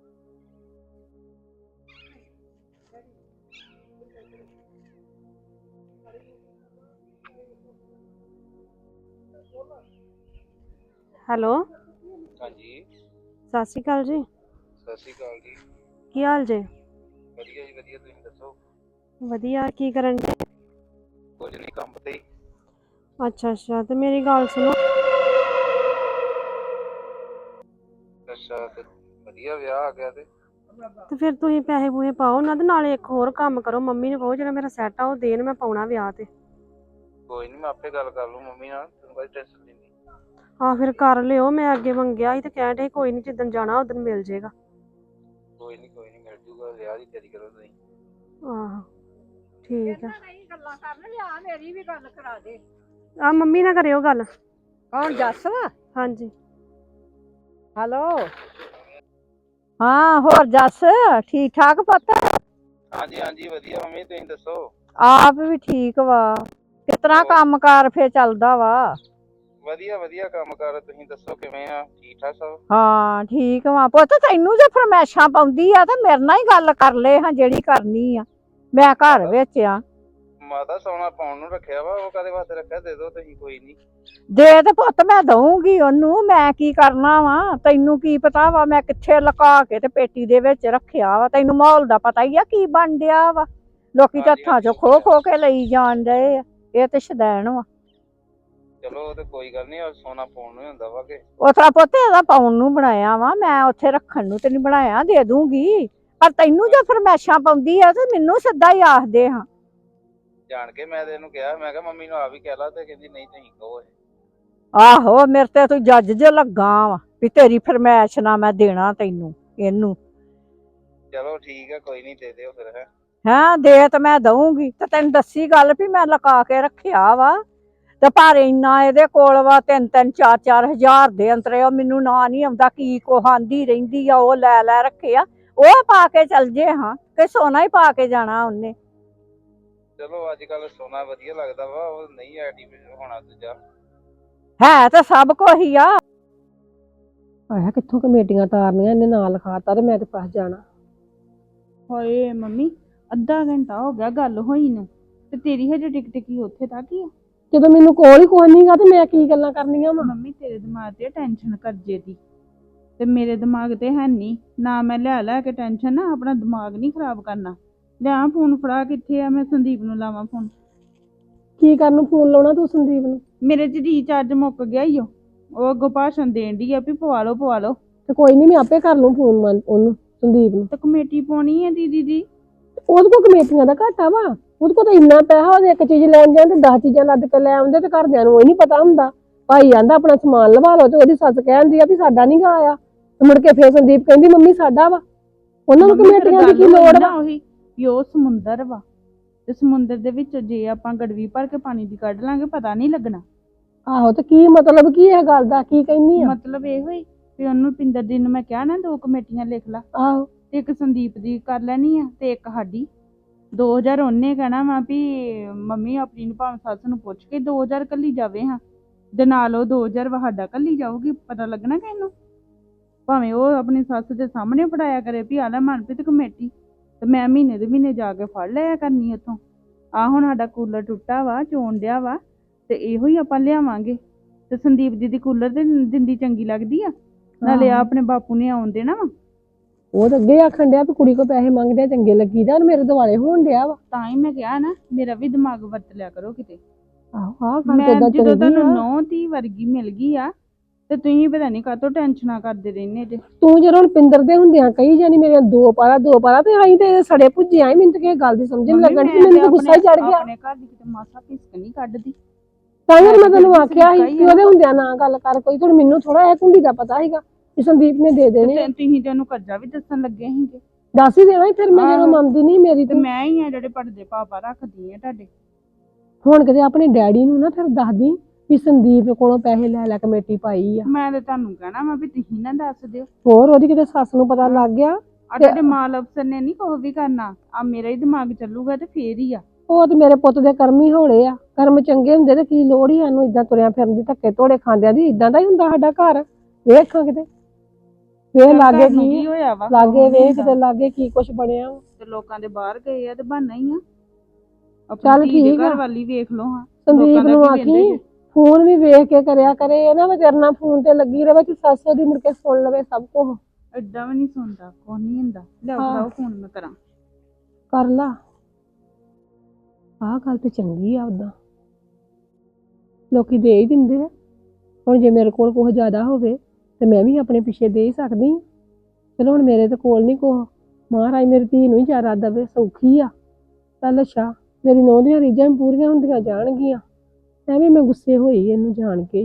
Speaker 5: ਹੈਲੋ
Speaker 9: ਹਾਂਜੀ,
Speaker 5: ਸਤਿ ਸ਼੍ਰੀ ਅਕਾਲ ਜੀ।
Speaker 9: ਸਤਿ ਸ਼੍ਰੀ ਅਕਾਲ ਜੀ।
Speaker 5: ਕੀ ਹਾਲ ਜੇ?
Speaker 9: ਵਧੀਆ ਜੀ ਵਧੀਆ, ਤੁਸੀਂ ਦੱਸੋ?
Speaker 5: ਵਧੀਆ। ਕੀ ਕਰਨ ਦੇ?
Speaker 9: ਕੁਝ ਨਹੀਂ, ਕੰਮ ਤੇ ਹੀ।
Speaker 5: ਅੱਛਾ ਤੇ ਮੇਰੀ ਗੱਲ ਸੁਣੋ।
Speaker 9: ਅੱਛਾ, ਤੇ ਵਧੀਆ ਵਿਆਹ ਆ ਗਿਆ ਤੇ
Speaker 5: ਫਿਰ ਤੁਸੀਂ ਪੈਸੇ ਪੂਸੇ ਪਾਓ ਨਾ, ਤੇ ਨਾਲੇ ਇੱਕ ਹੋਰ ਕੰਮ ਕਰੋ, ਮੰਮੀ ਨੂੰ ਕਹੋ ਜਿਹੜਾ ਮੇਰਾ ਸੈੱਟ ਆ ਉਹ ਦੇਣ, ਮੈਂ ਪਾਉਣਾ ਵਿਆਹ ਤੇ।
Speaker 9: ਕੋਈ ਨਹੀਂ, ਮੈਂ ਆਪੇ ਗੱਲ ਕਰ ਲੂ ਮੰਮੀ ਨਾਲ, ਤੈਨੂੰ ਕੋਈ ਟੈਨਸ਼ਨ ਨਹੀਂ।
Speaker 5: ਹਾਂ ਫਿਰ ਕਰ ਲਿਓ, ਮੈਂ ਅੱਗੇ ਮੰਗਿਆ ਸੀ ਤੇ ਕਹਿਣ ਡੇ ਕੋਈ ਨਹੀਂ, ਜਿੱਦਣ ਜਾਣਾ ਉਦੋਂ ਮਿਲ ਜੇਗਾ।
Speaker 9: ਕੋਈ ਨਹੀਂ ਮਿਲ ਜੂਗਾ, ਵਿਆਹ ਦੀ ਤਿਆਰੀ ਕਰੋ ਤੁਸੀਂ।
Speaker 5: ਆਹੋ ਠੀਕ ਆ।
Speaker 3: ਗੱਲਾਂ ਕਰਨ ਲਿਆ, ਮੇਰੀ ਵੀ ਗੱਲ ਕਰਾ ਦੇ।
Speaker 5: ਆ ਮੰਮੀ ਨਾਲ ਕਰਿਓ ਗੱਲ।
Speaker 3: ਕੌਣ ਜੱਸ ਵਾ?
Speaker 5: ਹਾਂਜੀ।
Speaker 3: ਹੈਲੋ ਹਾਂ, ਹੋਰ ਜੱਸ ਠੀਕ ਠਾਕ ਪੁੱਤ?
Speaker 9: ਹਾਂਜੀ ਵਧੀਆ ਮੰਮੀ, ਤੁਸੀਂ ਦੱਸੋ?
Speaker 3: ਆਪ ਵੀ ਠੀਕ ਵਾ। ਕਿਸ ਤਰ੍ਹਾਂ ਕੰਮਕਾਰ ਫੇਰ ਚੱਲਦਾ ਵਾ?
Speaker 9: ਵਧੀਆ ਕੰਮ ਕਰ, ਤੁਸੀਂ ਦੱਸੋ ਕਿਵੇਂ ਆ? ਠੀਕ ਠਾਕ ਸਭ?
Speaker 3: ਹਾਂ ਠੀਕ ਵਾ ਪੁੱਤ। ਤੈਨੂੰ ਜੇ ਫਰਮੈਸ਼ਾਂ ਪਾਉਂਦੀ ਆ ਤੇ ਮੇਰੇ ਨਾਲ ਹੀ ਗੱਲ ਕਰ ਲੈ ਹਾਂ, ਜਿਹੜੀ ਕਰਨੀ ਆ। ਮੈਂ ਘਰ ਵਿੱਚ ਆ।
Speaker 9: ਮਾਤਾ ਸੋਨਾ ਪਾਉਣ ਨੂੰ ਰੱਖਿਆ ਵਾ, ਉਹ ਕਾਹਦੇ ਵਾਸਤੇ ਰੱਖਿਆ? ਦੇ ਦਿਓ ਤੁਸੀਂ, ਕੋਈ ਨਹੀਂ।
Speaker 3: ਦੇ ਤੇ ਪੁੱਤ ਮੈਂ ਦਊਂਗੀ ਉਹਨੂੰ, ਮੈਂ ਕੀ ਕਰਨਾ ਵਾ? ਤੈਨੂੰ ਕੀ ਪਤਾ ਵਾ ਮੈਂ ਕਿੱਥੇ ਲੁਕਾ ਕੇ ਤੇ ਪੇਟੀ ਦੇ ਵਿੱਚ ਰੱਖਿਆ ਵਾ? ਤੈਨੂੰ ਮਾਹੌਲ ਦਾ ਪਤਾ ਹੀ ਆ ਕੀ ਬਣ ਡਿਆ ਵਾ। ਲੋਕੀ
Speaker 9: ਹਾਂਜੀ,
Speaker 3: ਹੱਥਾਂ ਚੋਂ ਖੋ ਕੇ ਲਈ ਜਾਣ ਡਏ ਆ। ਇਹ ਤੇ ਸ਼ਦੈਣ ਵਾ।
Speaker 9: ਚਲੋ ਉਹ ਤੇ ਕੋਈ ਗੱਲ ਨਹੀਂ, ਸੋਨਾ ਪਾਉਣ ਨੂੰ ਹੀ ਹੁੰਦਾ ਵਾ ਕਿ।
Speaker 3: ਉਸ ਤਰ੍ਹਾਂ ਪੁੱਤ ਇਹਦਾ ਪਾਉਣ ਨੂੰ ਬਣਾਇਆ ਵਾ, ਮੈਂ ਉੱਥੇ ਰੱਖਣ ਨੂੰ ਤੇ ਨਹੀਂ ਬਣਾਇਆ। ਦੇ ਦੂੰਗੀ, ਪਰ ਤੈਨੂੰ ਜੇ ਫਰਮੈਸ਼ਾਂ ਪਾਉਂਦੀ ਆ ਤੇ ਮੈਨੂੰ ਸਿੱਧਾ ਹੀ ਆਖਦੇ ਹਾਂ।
Speaker 9: ਜਾਣ ਕੇ ਮੈਂ ਤੇ ਇਹਨੂੰ ਕਿਹਾ, ਮੈਂ ਕਿਹਾ ਮੰਮੀ ਨੂੰ ਆ ਵੀ ਕਹਿ ਲਾ, ਤੇ ਕਹਿੰਦੀ ਨਹੀਂ ਤੁਸੀਂ ਕਹੋ।
Speaker 3: ਆਹੋ ਮੇਰੇ ਤੇ ਤੂੰ ਜੱਜ ਜੇ ਲੱਗਾ ਵਾ ਵੀ ਤੇਰੀ ਫਰਮੈਸ਼ ਨਾ ਮੈਂ ਦੇਣਾ ਤੈਨੂੰ ਇਹਨੂੰ।
Speaker 9: ਚਲੋ ਠੀਕ ਆ, ਕੋਈ ਨਹੀਂ, ਦੇ ਦਿਓ ਫਿਰ।
Speaker 3: ਹੈਂ ਦੇ ਤੇ ਮੈਂ ਦਊਂਗੀ, ਤੇ ਤੈਨੂੰ ਦੱਸੀ ਗੱਲ ਵੀ ਮੈਂ ਲੁਕਾ ਕੇ ਰੱਖਿਆ ਵਾ। ਤੇ ਪਰ ਇੰਨਾ ਇਹਦੇ ਕੋਲ ਵਾ 3-3 4-4 ਹਜ਼ਾਰ ਦੇ ਅੰਤਰੇ। ਉਹ ਮੈਨੂੰ ਨਾ ਨਹੀਂ ਆਉਂਦਾ ਕੀ ਕੋਹਾਂਦੀ ਰਹਿੰਦੀ ਆ, ਉਹ ਲੈ ਰੱਖਿਆ। ਉਹ ਪਾ ਕੇ ਚੱਲ ਜੇ ਹਾਂ, ਕਿ ਸੋਨਾ ਹੀ ਪਾ ਕੇ ਜਾਣਾ ਉਹਨੇ।
Speaker 9: ਚਲੋ ਅੱਜ ਕੱਲ ਸੋਨਾ ਵਧੀਆ ਲੱਗਦਾ ਵਾ, ਉਹ ਨਹੀਂ ਆਰਟੀਫੀਸ਼ਲ ਹੋਣਾ ਦੂਜਾ।
Speaker 3: ਹੈ ਤਾਂ ਸਭ ਕੁਝ ਹੀ ਆ। ਆਇਆ ਕਿੱਥੋਂ ਕਮੇਟੀਆਂ ਤਾਰਨੀਆਂ, ਇਹਨੇ ਨਾਂ ਲਿਖਾਤਾ ਤੇ ਮੈਂ ਤੇ ਫਸ ਜਾਣਾ।
Speaker 1: ਹੋਏ ਮੰਮੀ, ਅੱਧਾ ਘੰਟਾ ਹੋ ਗਿਆ ਗੱਲ ਹੋਈ ਨੂੰ, ਤੇ ਤੇਰੀ ਹਜੇ ਟਿਕ ਉੱਥੇ ਤੱਕ ਹੀ ਆ।
Speaker 3: ਜਦੋਂ ਮੈਨੂੰ ਕੋਲ ਹੀ ਕੋਈ ਨਹੀਂਗਾ ਤੇ ਮੈਂ ਕੀ ਗੱਲਾਂ ਕਰਨੀਆਂ ਵਾ?
Speaker 1: ਮੰਮੀ ਤੇਰੇ ਦਿਮਾਗ ਤੇ ਟੈਨਸ਼ਨ ਕਰਜੇ ਦੀ, ਤੇ ਮੇਰੇ ਦਿਮਾਗ ਤੇ ਹੈ ਨਹੀਂ ਨਾ। ਮੈਂ ਲੈ ਕੇ ਟੈਨਸ਼ਨ ਨਾ ਆਪਣਾ ਦਿਮਾਗ ਨਹੀਂ ਖਰਾਬ ਕਰਨਾ। ਲਿਆ ਫੋਨ ਫੜਾ, ਕਿੱਥੇ ਆ? ਮੈਂ ਸੰਦੀਪ ਨੂੰ ਲਾਵਾਂ ਫੋਨ।
Speaker 3: ਕੀ ਕਰਨ ਨੂੰ ਫੋਨ ਲਾਉਣਾ ਤੂੰ ਸੰਦੀਪ ਨੂੰ?
Speaker 1: ਮੇਰੇ ਚ ਰੀਚਾਰਜ ਮੁੱਕ ਗਿਆ ਈ ਉਹ ਅੱਗੋਂ ਭਾਸ਼ਣ ਦੇਣ ਦੀ ਆ ਵੀ ਪਵਾ ਲਓ।
Speaker 3: ਤੇ ਕੋਈ ਨਹੀਂ, ਮੈਂ ਆਪੇ ਕਰ ਲੂੰ ਫੋਨ ਉਹਨੂੰ, ਸੰਦੀਪ ਨੂੰ।
Speaker 1: ਤੇ ਕਮੇਟੀ ਪਾਉਣੀ ਹੈ ਦੀਦੀ ਦੀ।
Speaker 3: ਉਹਦੇ ਕੋਲ ਕਮੇਟੀਆਂ ਦਾ ਘਾਟਾ ਵਾ, ਉਹਦੇ ਕੋਲ ਤਾਂ ਇੰਨਾ ਪੈਸਾ, ਉਹਦੇ ਇੱਕ ਚੀਜ਼ ਲੈਣ ਜਾਣ ਤੇ 10 ਚੀਜ਼ਾਂ ਲੱਦ ਕੇ ਲੈ ਆਉਂਦੇ, ਤੇ ਘਰਦਿਆਂ ਨੂੰ ਉਹ ਨਹੀਂ ਪਤਾ ਹੁੰਦਾ। ਭਾਈ ਆਂਦਾ ਆਪਣਾ ਸਮਾਨ ਲਵਾ ਲਓ, ਤੇ ਉਹਦੀ ਸੱਸ ਕਹਿੰਦੀ ਆ ਵੀ ਸਾਡਾ ਨਹੀਂ ਗਾ ਆਇਆ। ਤੇ ਮੁੜ ਕੇ ਫੇਰ ਸੰਦੀਪ ਕਹਿੰਦੀ ਮੰਮੀ ਸਾਡਾ ਵਾ। ਉਹਨਾਂ ਨੂੰ ਕਮੇਟੀਆਂ ਦੀ ਕੀ ਲੋੜ ਵਾ?
Speaker 1: ਉਹੀ ਵੀ ਉਹ ਸਮੁੰਦਰ ਵਾ, ਤੇ ਸਮੁੰਦਰ ਦੇ ਵਿੱਚ ਜੇ ਆਪਾਂ ਗੜਵੀ ਭਰ ਕੇ ਪਾਣੀ ਦੀ ਕੱਢ ਲਾਂਗੇ ਪਤਾ ਨਹੀਂ ਲੱਗਣਾ।
Speaker 3: ਆਹੋ ਤੇ ਕੀ ਮਤਲਬ ਕੀ ਇਹ ਗੱਲ ਦਾ? ਕੀ ਕਹਿੰਦੀ ਆ?
Speaker 1: ਮਤਲਬ ਇਹੋ ਹੀ ਵੀ ਉਹਨੂੰ ਪਿੰਦਰ ਦੀ ਨੂੰ ਮੈਂ ਕਿਹਾ ਨਾ 2 ਕਮੇਟੀਆਂ ਲਿਖ ਲਾ।
Speaker 3: ਆਹੋ
Speaker 1: ਤੇ ਇੱਕ ਸੰਦੀਪ ਦੀ ਕਰ ਲੈਣੀ ਆ ਤੇ ਇੱਕ ਸਾਡੀ। 2000 ਉਹਨੇ ਕਹਿਣਾ ਵਾ ਵੀ ਮੰਮੀ ਆਪਣੀ ਨੂੰ ਭਾਵੇਂ ਸੱਸ ਨੂੰ ਪੁੱਛ ਕੇ 2000 ਕੱਲੀ ਜਾਵੇ ਹਾਂ ਦੇ ਨਾਲ ਉਹ 2000 ਸਾਡਾ ਕੱਲੀ ਜਾਊਗੀ, ਪਤਾ ਲੱਗਣਾ ਕਿ ਇਹਨੂੰ ਭਾਵੇਂ ਉਹ ਆਪਣੀ ਸੱਸ ਦੇ ਸਾਹਮਣੇ ਫੜਾਇਆ ਕਰੇ ਵੀ ਆ ਲੈ ਮਨਪ੍ਰੀਤ ਕਮੇਟੀ, ਤੇ ਮੈਂ ਮਹੀਨੇ ਦੇ ਮਹੀਨੇ ਜਾ ਕੇ ਫੜ ਲਿਆ ਕਰਨੀ ਉੱਥੋਂ। ਆ ਹੁਣ ਸਾਡਾ ਕੂਲਰ ਟੁੱਟਾ ਵਾ, ਚੋਣ ਡਿਆ ਵਾ, ਤੇ ਇਹੋ ਹੀ ਆਪਾਂ ਲਿਆਵਾਂਗੇ। ਤੇ ਸੰਦੀਪ ਦੀਦੀ ਕੂਲਰ ਤੇ ਦਿੰਦੀ ਚੰਗੀ ਲੱਗਦੀ ਆ, ਨਾਲੇ ਆ ਆਪਣੇ ਬਾਪੂ ਨੇ ਆਉਣ ਦੇਣਾ ਵਾ।
Speaker 3: ਉਹ ਤਾਂ ਅੱਗੇ ਆਖਣ ਡਿਆ ਵੀ ਕੁੜੀ ਕੋ ਪੈਸੇ ਮੰਗਦੇ ਆ ਚੰਗੇ ਲੱਗੀਦਾ, ਹੁਣ ਮੇਰੇ ਦੁਆਲੇ ਹੋਣ ਡਿਆ ਵਾ।
Speaker 1: ਤਾਂ ਹੀ ਮੈਂ ਕਿਹਾ ਨਾ ਮੇਰਾ ਵੀ ਦਿਮਾਗ ਵਰਤ ਲਿਆ ਕਰੋ ਕਿਤੇ।
Speaker 3: ਆਹ
Speaker 1: ਮੈਂ ਜਦੋਂ ਤੁਹਾਨੂੰ 9 ਵਰਗੀ ਮਿਲ ਗਈ ਆ ਤੇ ਤੁਸੀਂ ਪਤਾ ਨਹੀਂ ਕਾਹਤੋਂ ਟੈਨਸ਼ਨਾਂ ਕਰਦੇ ਰਹਿੰਦੇ ਜੇ।
Speaker 3: ਤੂੰ ਜਦੋਂ ਹੁਣ ਪਿੰਦਰ ਦੇ ਹੁੰਦਿਆਂ ਕਹੀ ਜਾਨੀ ਮੇਰੇ ਦੋ ਪਾਰਾ ਤੇ ਆਈ ਤੇ ਸੜੇ ਭੁੱਜੇ ਆਈ, ਮੈਨੂੰ ਤਾਂ ਕਿਸੇ ਗੱਲ ਦੀ ਸਮਝ ਨਹੀਂ ਲੱਗਣ ਦੀ, ਮੈਨੂੰ ਤਾਂ ਗੁੱਸਾ ਹੀ ਚੜ ਗਿਆ।
Speaker 1: ਆਪਣੇ ਘਰ ਦੀ ਕਿਤੇ ਮਾਸਾ ਪਿਸਕ ਨਹੀਂ ਕੱਢਦੀ।
Speaker 3: ਤਾਂ ਹੀ ਮੈਂ ਤੈਨੂੰ ਆਖਿਆ ਸੀ ਕਿ ਉਹਦੇ ਹੁੰਦਿਆਂ ਨਾ ਗੱਲ ਕਰ ਕੋਈ, ਹੁਣ ਮੈਨੂੰ ਥੋੜਾ ਇਹ ਕੁੰਡੀ ਦਾ ਪਤਾ ਸੀਗਾ ਕਿ ਸੰਦੀਪ ਨੇ ਦੇ ਦੇਣੇ।
Speaker 1: ਤੁਸੀਂ ਤੇ ਉਹਨੂੰ ਕਰਜ਼ਾ ਵੀ ਦੱਸਣ ਲੱਗੇ ਸੀਗੇ।
Speaker 3: ਦੱਸ ਹੀ ਦੇਣਾ ਸੀ ਫਿਰ, ਮੈਂ ਜਦੋਂ ਮੰਨਦੀ ਨਹੀਂ ਮੇਰੀ
Speaker 1: ਤੇ ਮੈਂ ਹੀ ਆ ਜਿਹੜੇ ਪੜਦੇ ਪਾਪਾ ਰੱਖਦੀ ਆ ਤੁਹਾਡੇ।
Speaker 3: ਹੁਣ ਕਿਤੇ ਆਪਣੇ ਡੈਡੀ ਨੂੰ ਨਾ ਫਿਰ ਦੱਸਦੀ ਵੀ ਸੰਦੀਪ ਕੋਲੋਂ ਪੈਸੇ ਲੈ ਲੈ ਕਮੇਟੀ ਪਾਈ ਆ।
Speaker 1: ਮੈਂ ਤੇ ਤੁਹਾਨੂੰ ਕਹਿਣਾ ਵਾ ਵੀ ਤੁਸੀਂ ਨਾ ਦੱਸ ਦਿਓ।
Speaker 3: ਹੋਰ ਉਹਦੀ ਕਿਤੇ ਸੱਸ ਨੂੰ ਪਤਾ ਲੱਗ ਗਿਆ।
Speaker 1: ਆ ਤੁਹਾਡੇ ਮਾਲ ਅਫਸਰ ਨੇ ਨਹੀਂ ਕੁਛ ਵੀ ਕਰਨਾ, ਆ ਮੇਰਾ ਹੀ ਦਿਮਾਗ ਚੱਲੂਗਾ ਤੇ ਫੇਰ ਹੀ ਆ।
Speaker 3: ਉਹ ਤੇ ਮੇਰੇ ਪੁੱਤ ਦੇ ਕਰਮ ਹੀ ਹੋਲੇ ਆ, ਕਰਮ ਚੰਗੇ ਹੁੰਦੇ ਤੇ ਕੀ ਲੋੜ ਹੀ ਸਾਨੂੰ ਇਦਾਂ ਤੁਰਿਆ ਫਿਰਨ ਦੀ, ਧੱਕੇ ਧੋੜੇ ਖਾਂਦਿਆਂ ਦੀ। ਇਦਾਂ ਦਾ ਹੀ ਹੁੰਦਾ ਸਾਡਾ ਘਰ। ਵੇਖਾਂ ਕਿਤੇ ਵੇਖ ਲਾਗੇ ਕੀ
Speaker 1: ਹੋਇਆ ਵਾ,
Speaker 3: ਲਾਗੇ ਵੇਖ ਕਿਤੇ ਲਾਗੇ ਕੀ ਕੁਛ ਬਣਿਆ।
Speaker 1: ਤੇ ਲੋਕਾਂ ਦੇ ਬਾਹਰ ਗਏ ਆ ਤੇ ਬਹਾਨਾ ਹੀ ਆ।
Speaker 3: ਚੱਲ
Speaker 1: ਆਪਣੀ ਧੀ ਦੇ
Speaker 3: ਠੀਕ ਆ।
Speaker 1: ਘਰ ਵਾਲੀ ਵੇਖ ਲਓ ਹਾਂ।
Speaker 3: ਸੰਦੀਪ ਨੂੰ ਆਖੀ ਫੋਨ ਵੀ ਵੇਖ ਕੇ ਕਰਿਆ ਕਰੇ, ਇਹ ਨਾ ਵੀ ਤੇਰੇ ਨਾਲ ਫੋਨ ਤੇ ਲੱਗੀ ਰਵੇ ਕਿ ਸੱਸ ਉਹਦੀ ਮੁੜ ਕੇ ਸੁਣ ਲਵੇ ਸਭ ਕੁਝ।
Speaker 1: ਏਦਾਂ ਵੀ ਨਹੀਂ ਸੁਣਦਾ, ਕੁਛ ਨਹੀਂ ਹੁੰਦਾ। ਲਿਆਓ ਫੋਨ ਮੈਂ ਕਰਾਂ।
Speaker 3: ਕਰ ਲਾ। ਆਹ ਗੱਲ ਤੇ ਚੰਗੀ ਆ, ਉਦਾਂ ਲੋਕੀ ਦੇ ਹੀ ਦਿੰਦੇ ਆ। ਹੁਣ ਜੇ ਮੇਰੇ ਕੋਲ ਕੁਛ ਜ਼ਿਆਦਾ ਹੋਵੇ ਤੇ ਮੈਂ ਵੀ ਆਪਣੇ ਪਿੱਛੇ ਦੇ ਹੀ ਸਕਦੀ ਹਾਂ। ਚਲੋ ਹੁਣ ਮੇਰੇ ਤੇ ਕੋਲ ਨਹੀਂ ਕੁਛ, ਮਹਾਰਾਜ ਮੇਰੀ ਧੀ ਨੂੰ ਹੀ ਜ਼ਿਆਦਾ ਦੇਵੇ, ਸੌਖੀ ਆ। ਚੱਲ ਅੱਛਾ, ਮੇਰੀ ਨੂੰਹ ਦੀਆਂ ਰੀਝਾਂ ਪੂਰੀਆਂ ਹੁੰਦੀਆਂ ਜਾਣਗੀਆਂ। ਐਵੇਂ ਮੈਂ ਗੁੱਸੇ ਹੋਈ ਇਹਨੂੰ ਜਾਣ ਕੇ।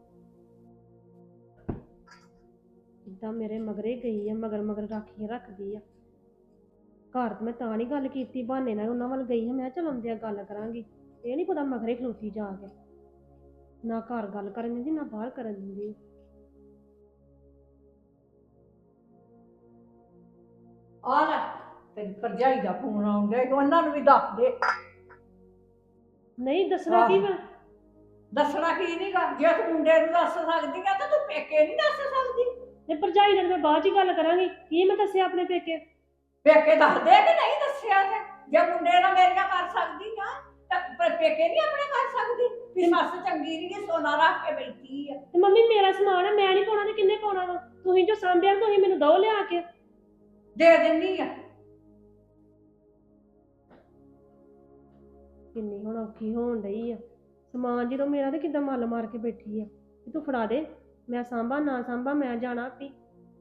Speaker 5: ਜਿੱਦਾਂ ਮੇਰੇ ਮਗਰੇ ਗਈ ਆ, ਮਗਰ ਰਾਖੀਆਂ ਰੱਖਦੀ ਆ। ਘਰ ਤੇ ਮੈਂ ਤਾਂ ਨਹੀਂ ਗੱਲ ਕੀਤੀ, ਬਹਾਨੇ ਨਾਲ ਉਹਨਾਂ ਵੱਲ ਗਈ ਹਾਂ। ਮੈਂ ਚਲ ਆਉਂਦਿਆਂ ਗੱਲ ਕਰਾਂਗੀ, ਇਹ ਨਹੀਂ ਪਤਾ ਮਗਰੇ ਖਲੋਤੀ ਜਾ ਕੇ। ਨਾ ਘਰ ਗੱਲ ਕਰਨ ਦਿੰਦੀ, ਨਾ ਬਾਹਰ ਕਰਨ ਦਿੰਦੀ।
Speaker 10: ਆ ਲੈ ਤੇਰੀ ਭਰਜਾਈ ਦਾ ਫੋਨ ਆਉਣ ਡਿਆ, ਉਹਨਾਂ ਨੂੰ ਵੀ ਦੱਸ ਦੇ।
Speaker 5: ਨਹੀਂ ਦੱਸਣਾ ਕੀ ਮੈਂ?
Speaker 10: ਦੱਸਣਾ ਕੀ ਨਹੀਂ ਗਾ, ਜੇ ਤੂੰ ਮੁੰਡੇ ਨੂੰ ਦੱਸ ਸਕਦੀ ਆ ਤਾਂ ਤੂੰ ਪੇਕੇ ਨਹੀਂ ਦੱਸ ਸਕਦੀ।
Speaker 5: ਤੇ ਭਰਜਾਈ ਨਾਲ ਮੈਂ ਬਾਅਦ ਚ ਗੱਲ ਕਰਾਂਗੀ, ਕੀ ਮੈਂ ਦੱਸਿਆ ਆਪਣੇ ਪੇਕੇ?
Speaker 10: ਪੇਕੇ ਦੱਸਦੇ ਕਿ ਨਹੀਂ ਦੱਸਿਆ ਤੇ ਜੇ ਮੁੰਡੇ ਨਾਲ ਮੇਰੀਆਂ ਕਰ ਸਕਦੀ ਆ ਤਾਂ ਪੇਕੇ ਨਹੀਂ ਆਪਣੇ ਕਰ ਸਕਦੀ ਵੀ ਸੱਸ ਚੰਗੀ ਨਹੀਂ, ਸੋਨਾ ਰੱਖ ਕੇ ਬੈਠੀ ਆ।
Speaker 5: ਤੇ ਮੰਮੀ ਮੇਰਾ ਸਮਾਨ ਹੈ, ਮੈਂ ਨਹੀਂ ਪਾਉਣਾ ਤੇ ਕਿੰਨੇ ਪਾਉਣਾ ਵਾ? ਤੁਸੀਂ ਜੋ ਸਾਂਭਿਆ ਤੁਸੀਂ ਮੈਨੂੰ ਦੋ ਲਿਆ ਕੇ
Speaker 10: ਦੇ ਦਿੰਨੀ ਆ।
Speaker 5: ਕਿੰਨੀ ਹੁਣ ਔਖੀ ਹੋਣ ਡਈ ਆ। ਸਮਾਨ ਜਦੋਂ ਮੇਰਾ ਤੇ ਕਿੱਦਾਂ ਮੱਲ ਮਾਰ ਕੇ ਬੈਠੀ ਆ ਕਿ ਤੂੰ ਫੜਾ ਦੇ, ਮੈਂ ਸਾਂਭਾ ਨਾ ਸਾਂਭਾ, ਮੈਂ ਜਾਣਾ ਆਪੀ।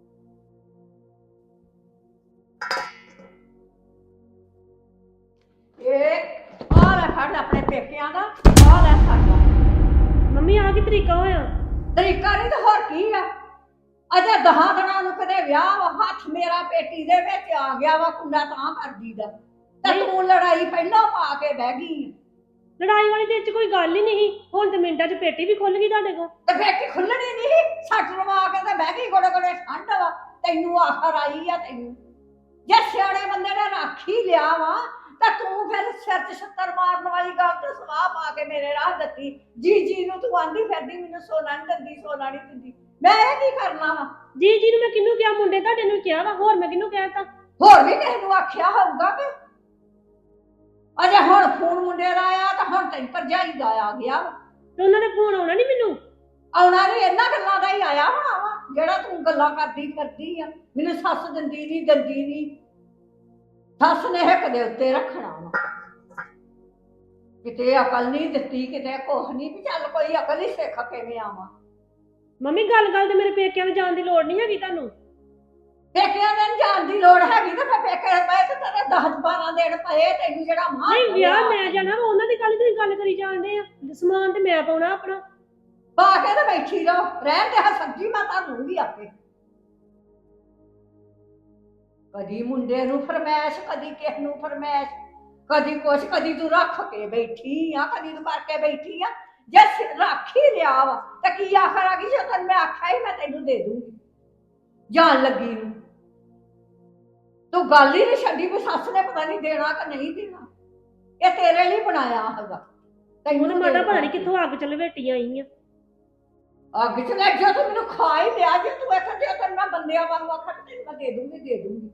Speaker 10: ਇਹ ਆ ਲੈ ਫੜ ਆਪਣੇ ਪੇਕਿਆਂ ਦਾ, ਆ ਲੈ ਸਾਡਾ।
Speaker 5: ਮੰਮੀ ਆ ਕੀ ਤਰੀਕਾ ਹੋਇਆ?
Speaker 10: ਤਰੀਕਾ ਨਹੀਂ ਤਾਂ ਹੋਰ ਕੀ ਆ। ਅਜੇ 10 ਦਿਨਾਂ ਨੂੰ ਕਦੇ ਵਿਆਹ ਵਾ, ਹੱਥ ਮੇਰਾ ਪੇਟੀ ਦੇ ਵਿੱਚ ਆ ਗਿਆ ਵਾ, ਕੁੰਡਾ ਤਾਂ ਕਰਦੀ ਦਾ ਤੇ ਤੂੰ ਲੜਾਈ ਪਹਿਲਾਂ ਪਾ ਕੇ ਬਹਿ ਗਈ।
Speaker 5: ਲੜਾਈ ਵਾਲੀ ਦੇ ਵਿੱਚ ਕੋਈ ਗੱਲ ਹੀ ਨਹੀਂ। ਹੁਣ ਤੇ ਮਿੰਟਾਂ 'ਚ ਪੇਟੀ ਵੀ ਖੁੱਲ ਗਈ ਤੁਹਾਡੇ ਕੋਲ।
Speaker 10: ਤੇ ਪੇਟੀ ਖੁੱਲਣੀ ਨਹੀਂ, ਸੱਟ ਲਵਾ ਕੇ ਤੇ ਬਹਿ ਗਈ। ਗੋੜੇ ਗੋੜੇ ਠੰਡ ਵਾ, ਤੈਨੂੰ ਆਖਰ ਆਈ ਆ। ਤੈਨੂੰ ਜੇ ਸਿਆਣੇ ਬੰਦੇ ਨੇ ਰੱਖ ਹੀ ਲਿਆ ਵਾ ਤਾਂ ਤੂੰ ਫਿਰ ਸਿਰ 'ਚ ਛੱਤਰ ਮਾਰਨ ਵਾਲੀ ਗੱਲ ਤੇ ਸਵਾਹ ਪਾ ਕੇ ਮੇਰੇ ਰਾਹ ਦਿੱਤੀ। ਜੀ ਨੂੰ ਤੂੰ ਆਂਦੀ ਫਿਰਦੀ ਮੈਨੂੰ ਸੋਨਾ ਨਹੀਂ ਦਿੰਦੀ, ਸੋਨਾ ਨਹੀਂ ਦਿੰਦੀ। ਮੈਂ ਇਹ ਕੀ ਕਰਨਾ ਵਾ?
Speaker 5: ਜੀ ਨੂੰ ਮੈਂ ਕਿਹਨੂੰ ਕਿਹਾ? ਮੁੰਡੇ ਤੁਹਾਡੇ ਨੂੰ ਕਿਹਾ ਵਾ, ਹੋਰ ਮੈਂ ਕਿਹਨੂੰ ਕਹਿਤਾ?
Speaker 10: ਹੋਰ ਵੀ ਕਿਸੇ ਨੂੰ ਆਖਿਆ ਹੋਊਗਾ ਕਿ ਅਜੇ ਹੁਣ ਫੋਨ ਮੁੰਡੇ ਦਾ ਆਇਆ ਤਾਂ ਹੁਣ ਤੈਨੂੰ ਭਰਜਾਈ ਦਾ ਆ ਗਿਆ।
Speaker 5: ਤੇ ਉਹਨਾਂ ਨੇ ਫੋਨ ਆਉਣਾ ਨਹੀਂ ਮੈਨੂੰ?
Speaker 10: ਆਉਣਾ ਨਹੀਂ, ਇਹਨਾਂ ਗੱਲਾਂ ਦਾ ਹੀ ਆਇਆ ਹੋਣਾ ਵਾ ਜਿਹੜਾ ਤੂੰ ਗੱਲਾਂ ਕਰਦੀ ਫਿਰਦੀ ਆ। ਮੈਨੂੰ ਸੱਸ ਦਿੰਦੀ ਨਹੀਂ, ਸੱਸ ਨੇ ਹਿੱਕ ਦੇ ਉੱਤੇ ਰੱਖਣਾ ਵਾ। ਕਿਤੇ ਅਕਲ ਨਹੀਂ ਦਿੱਤੀ, ਕਿਤੇ ਕੁਛ ਨਹੀਂ ਵੀ ਚੱਲ ਕੋਈ ਅਕਲ ਹੀ ਸਿੱਖ ਕਿਵੇਂ ਆਵਾਂ।
Speaker 5: ਮੰਮੀ ਗੱਲ ਤੇ ਮੇਰੇ ਪੇਕਿਆਂ ਦੇ ਜਾਣ ਦੀ ਲੋੜ ਨਹੀਂ ਹੈਗੀ ਤੁਹਾਨੂੰ।
Speaker 10: ਪੇਕਿਆਂ ਦੇ ਜਾਣ ਦੀ ਲੋੜ ਹੈਗੀ ਤਾਂ ਫਿਰ ਪੇਕੇ ਪਏ ਤੇ ਤੇਰੇ 10-12 ਦਿਨ ਪਏ ਤੈਨੂੰ ਜਿਹੜਾ ਮਾਂ।
Speaker 5: ਨਹੀਂ ਵਿਆਹ ਮੈਂ ਜਾਣਾ ਵਾ, ਉਹਨਾਂ ਦੀ ਤੁਸੀਂ ਗੱਲ ਕਰੀ ਜਾਂਦੇ ਆ। ਸਮਾਨ ਤੇ ਮੈਂ ਪਾਉਣਾ ਆਪਣਾ।
Speaker 10: ਪਾ ਕੇ ਤੇ ਬੈਠੀ ਰਹੋ, ਰਹਿਣ ਤੇ ਸਬਜ਼ੀ ਮੈਂ ਤਾਂ ਲੂੰਗੀ ਆਪੇ। ਕਦੀ ਮੁੰਡੇ ਨੂੰ ਫਰਮੈਸ਼, ਕਦੀ ਕਿਸ ਨੂੰ ਫਰਮੈਸ਼, ਕਦੀ ਕੁਛ, ਕਦੀ ਤੂੰ ਰੱਖ ਕੇ ਬੈਠੀ ਆ, ਕਦੀ ਤੂੰ ਕਰਕੇ ਬੈਠੀ ਆ। ਜੇ ਰੱਖ ਹੀ ਲਿਆ ਵਾ ਤਾਂ ਕੀ ਆਖਰ ਆ ਗਈ? ਜੇ ਤੈਨੂੰ ਮੈਂ ਆਖਿਆ ਹੀ ਮੈਂ ਤੈਨੂੰ ਦੇ ਦੂੰਗੀ ਜਾਣ ਲੱਗੀ ਨੂੰ। ਤੂੰ ਗੱਲ ਹੀ ਨਹੀਂ ਛੱਡੀ ਵੀ ਸੱਸ ਨੇ ਪਤਾ ਨਹੀਂ ਦੇਣਾ ਕਿ ਨਹੀਂ ਦੇਣਾ। ਇਹ ਤੇਰੇ ਲਈ ਬਣਾਇਆ ਹੈਗਾ।
Speaker 5: ਉਹਨੇ
Speaker 10: ਤੈਨੂੰ
Speaker 5: ਮਾਤਾ ਪਤਾ ਨੀ ਕਿੱਥੋਂ ਅੱਗ ਚ ਲਵੇਟੀ ਆਈ ਆ।
Speaker 10: ਅੱਗ ਚ ਲੈ ਜਾ, ਤੂੰ ਮੈਨੂੰ ਖਾ ਹੀ ਲਿਆ ਜੇ ਤੂੰ ਇੱਥੇ ਜੇ ਤੈਨੂੰ ਮੈਂ ਬੰਦਿਆਂ ਵਾਂਗੂ ਆਖਾਂ ਤੇ ਤੈਨੂੰ ਮੈਂ ਦੇ ਦੂੰਗੀ।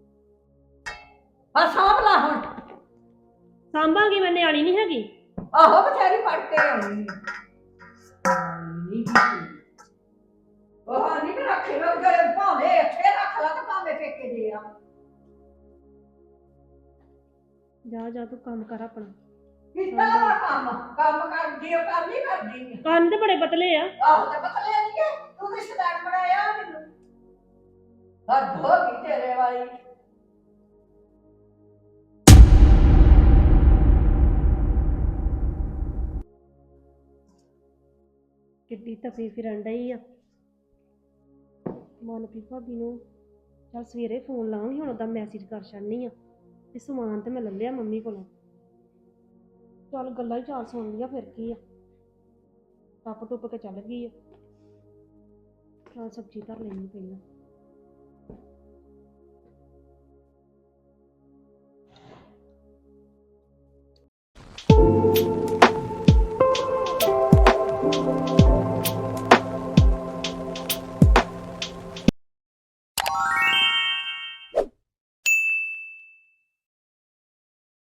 Speaker 10: ਹਾਂ ਸਾਂਭ ਲਾ ਹੁਣ।
Speaker 5: ਸਾਂਭਾਂਗੀ, ਮੈਂ ਨਿਆਣੀ ਨਹੀਂ ਹੈਗੀ।
Speaker 10: ਆਹੋ ਬਥੇਰੀ ਪੜ ਕੇ ਆਉਣੀ ਉਹ ਨਹੀਂ ਰੱਖੇ ਲੋਕ ਭਾਵੇਂ ਇੱਥੇ ਰੱਖ ਲਾ ਤੇ ਭਾਵੇਂ ਪੇਕੇ ਦੇ ਆ।
Speaker 5: ਜਾ ਜਾ ਤੂੰ ਕੰਮ ਕਰ ਆਪਣਾ।
Speaker 10: ਕਿੱਦਾਂ ਦਾ ਕੰਮ ਕਰਦੀ ਉਹ ਕਰ ਨਹੀਂ ਕਰਦੀ।
Speaker 5: ਕੰਨ ਤੇ ਬੜੇ ਪਤਲੇ ਆ।
Speaker 10: ਆਹੋ ਤੇ ਪਤਲੇ ਨਹੀਂ ਹੈ, ਤੂੰ ਰਿਸ਼ਤੇਦਾਰ ਬਣਾਇਆ ਮੈਨੂੰ। ਹੱਦ ਹੋ ਗਈ ਤੇਰੇ ਵਾਲੀ।
Speaker 5: ਕਿੱਡੀ ਤਪੀ ਫਿਰਨ ਡਈ ਆ। ਮਨਪ੍ਰੀਤ ਭਾਬੀ ਨੂੰ ਚੱਲ ਸਵੇਰੇ ਫੋਨ ਲਾਉਂਗੀ, ਹੁਣ ਉਹਦਾ ਮੈਸੇਜ ਕਰ ਛੱਡਨੀ ਆ ਤੇ ਸਮਾਨ ਤੇ ਮੈਂ ਲੈ ਲਿਆ ਮੰਮੀ ਕੋਲੋਂ। ਚੱਲ ਗੱਲਾਂ ਹੀ ਚਾਰ ਸੁਣ ਲਈਆਂ, ਫਿਰ ਕੀ ਆ, ਟੱਪ ਟੁੱਪ ਕੇ ਚੱਲ ਗਈ ਆ। ਚੱਲ ਸਬਜ਼ੀ ਧਰ ਲੈਣੀ ਪਹਿਲਾਂ।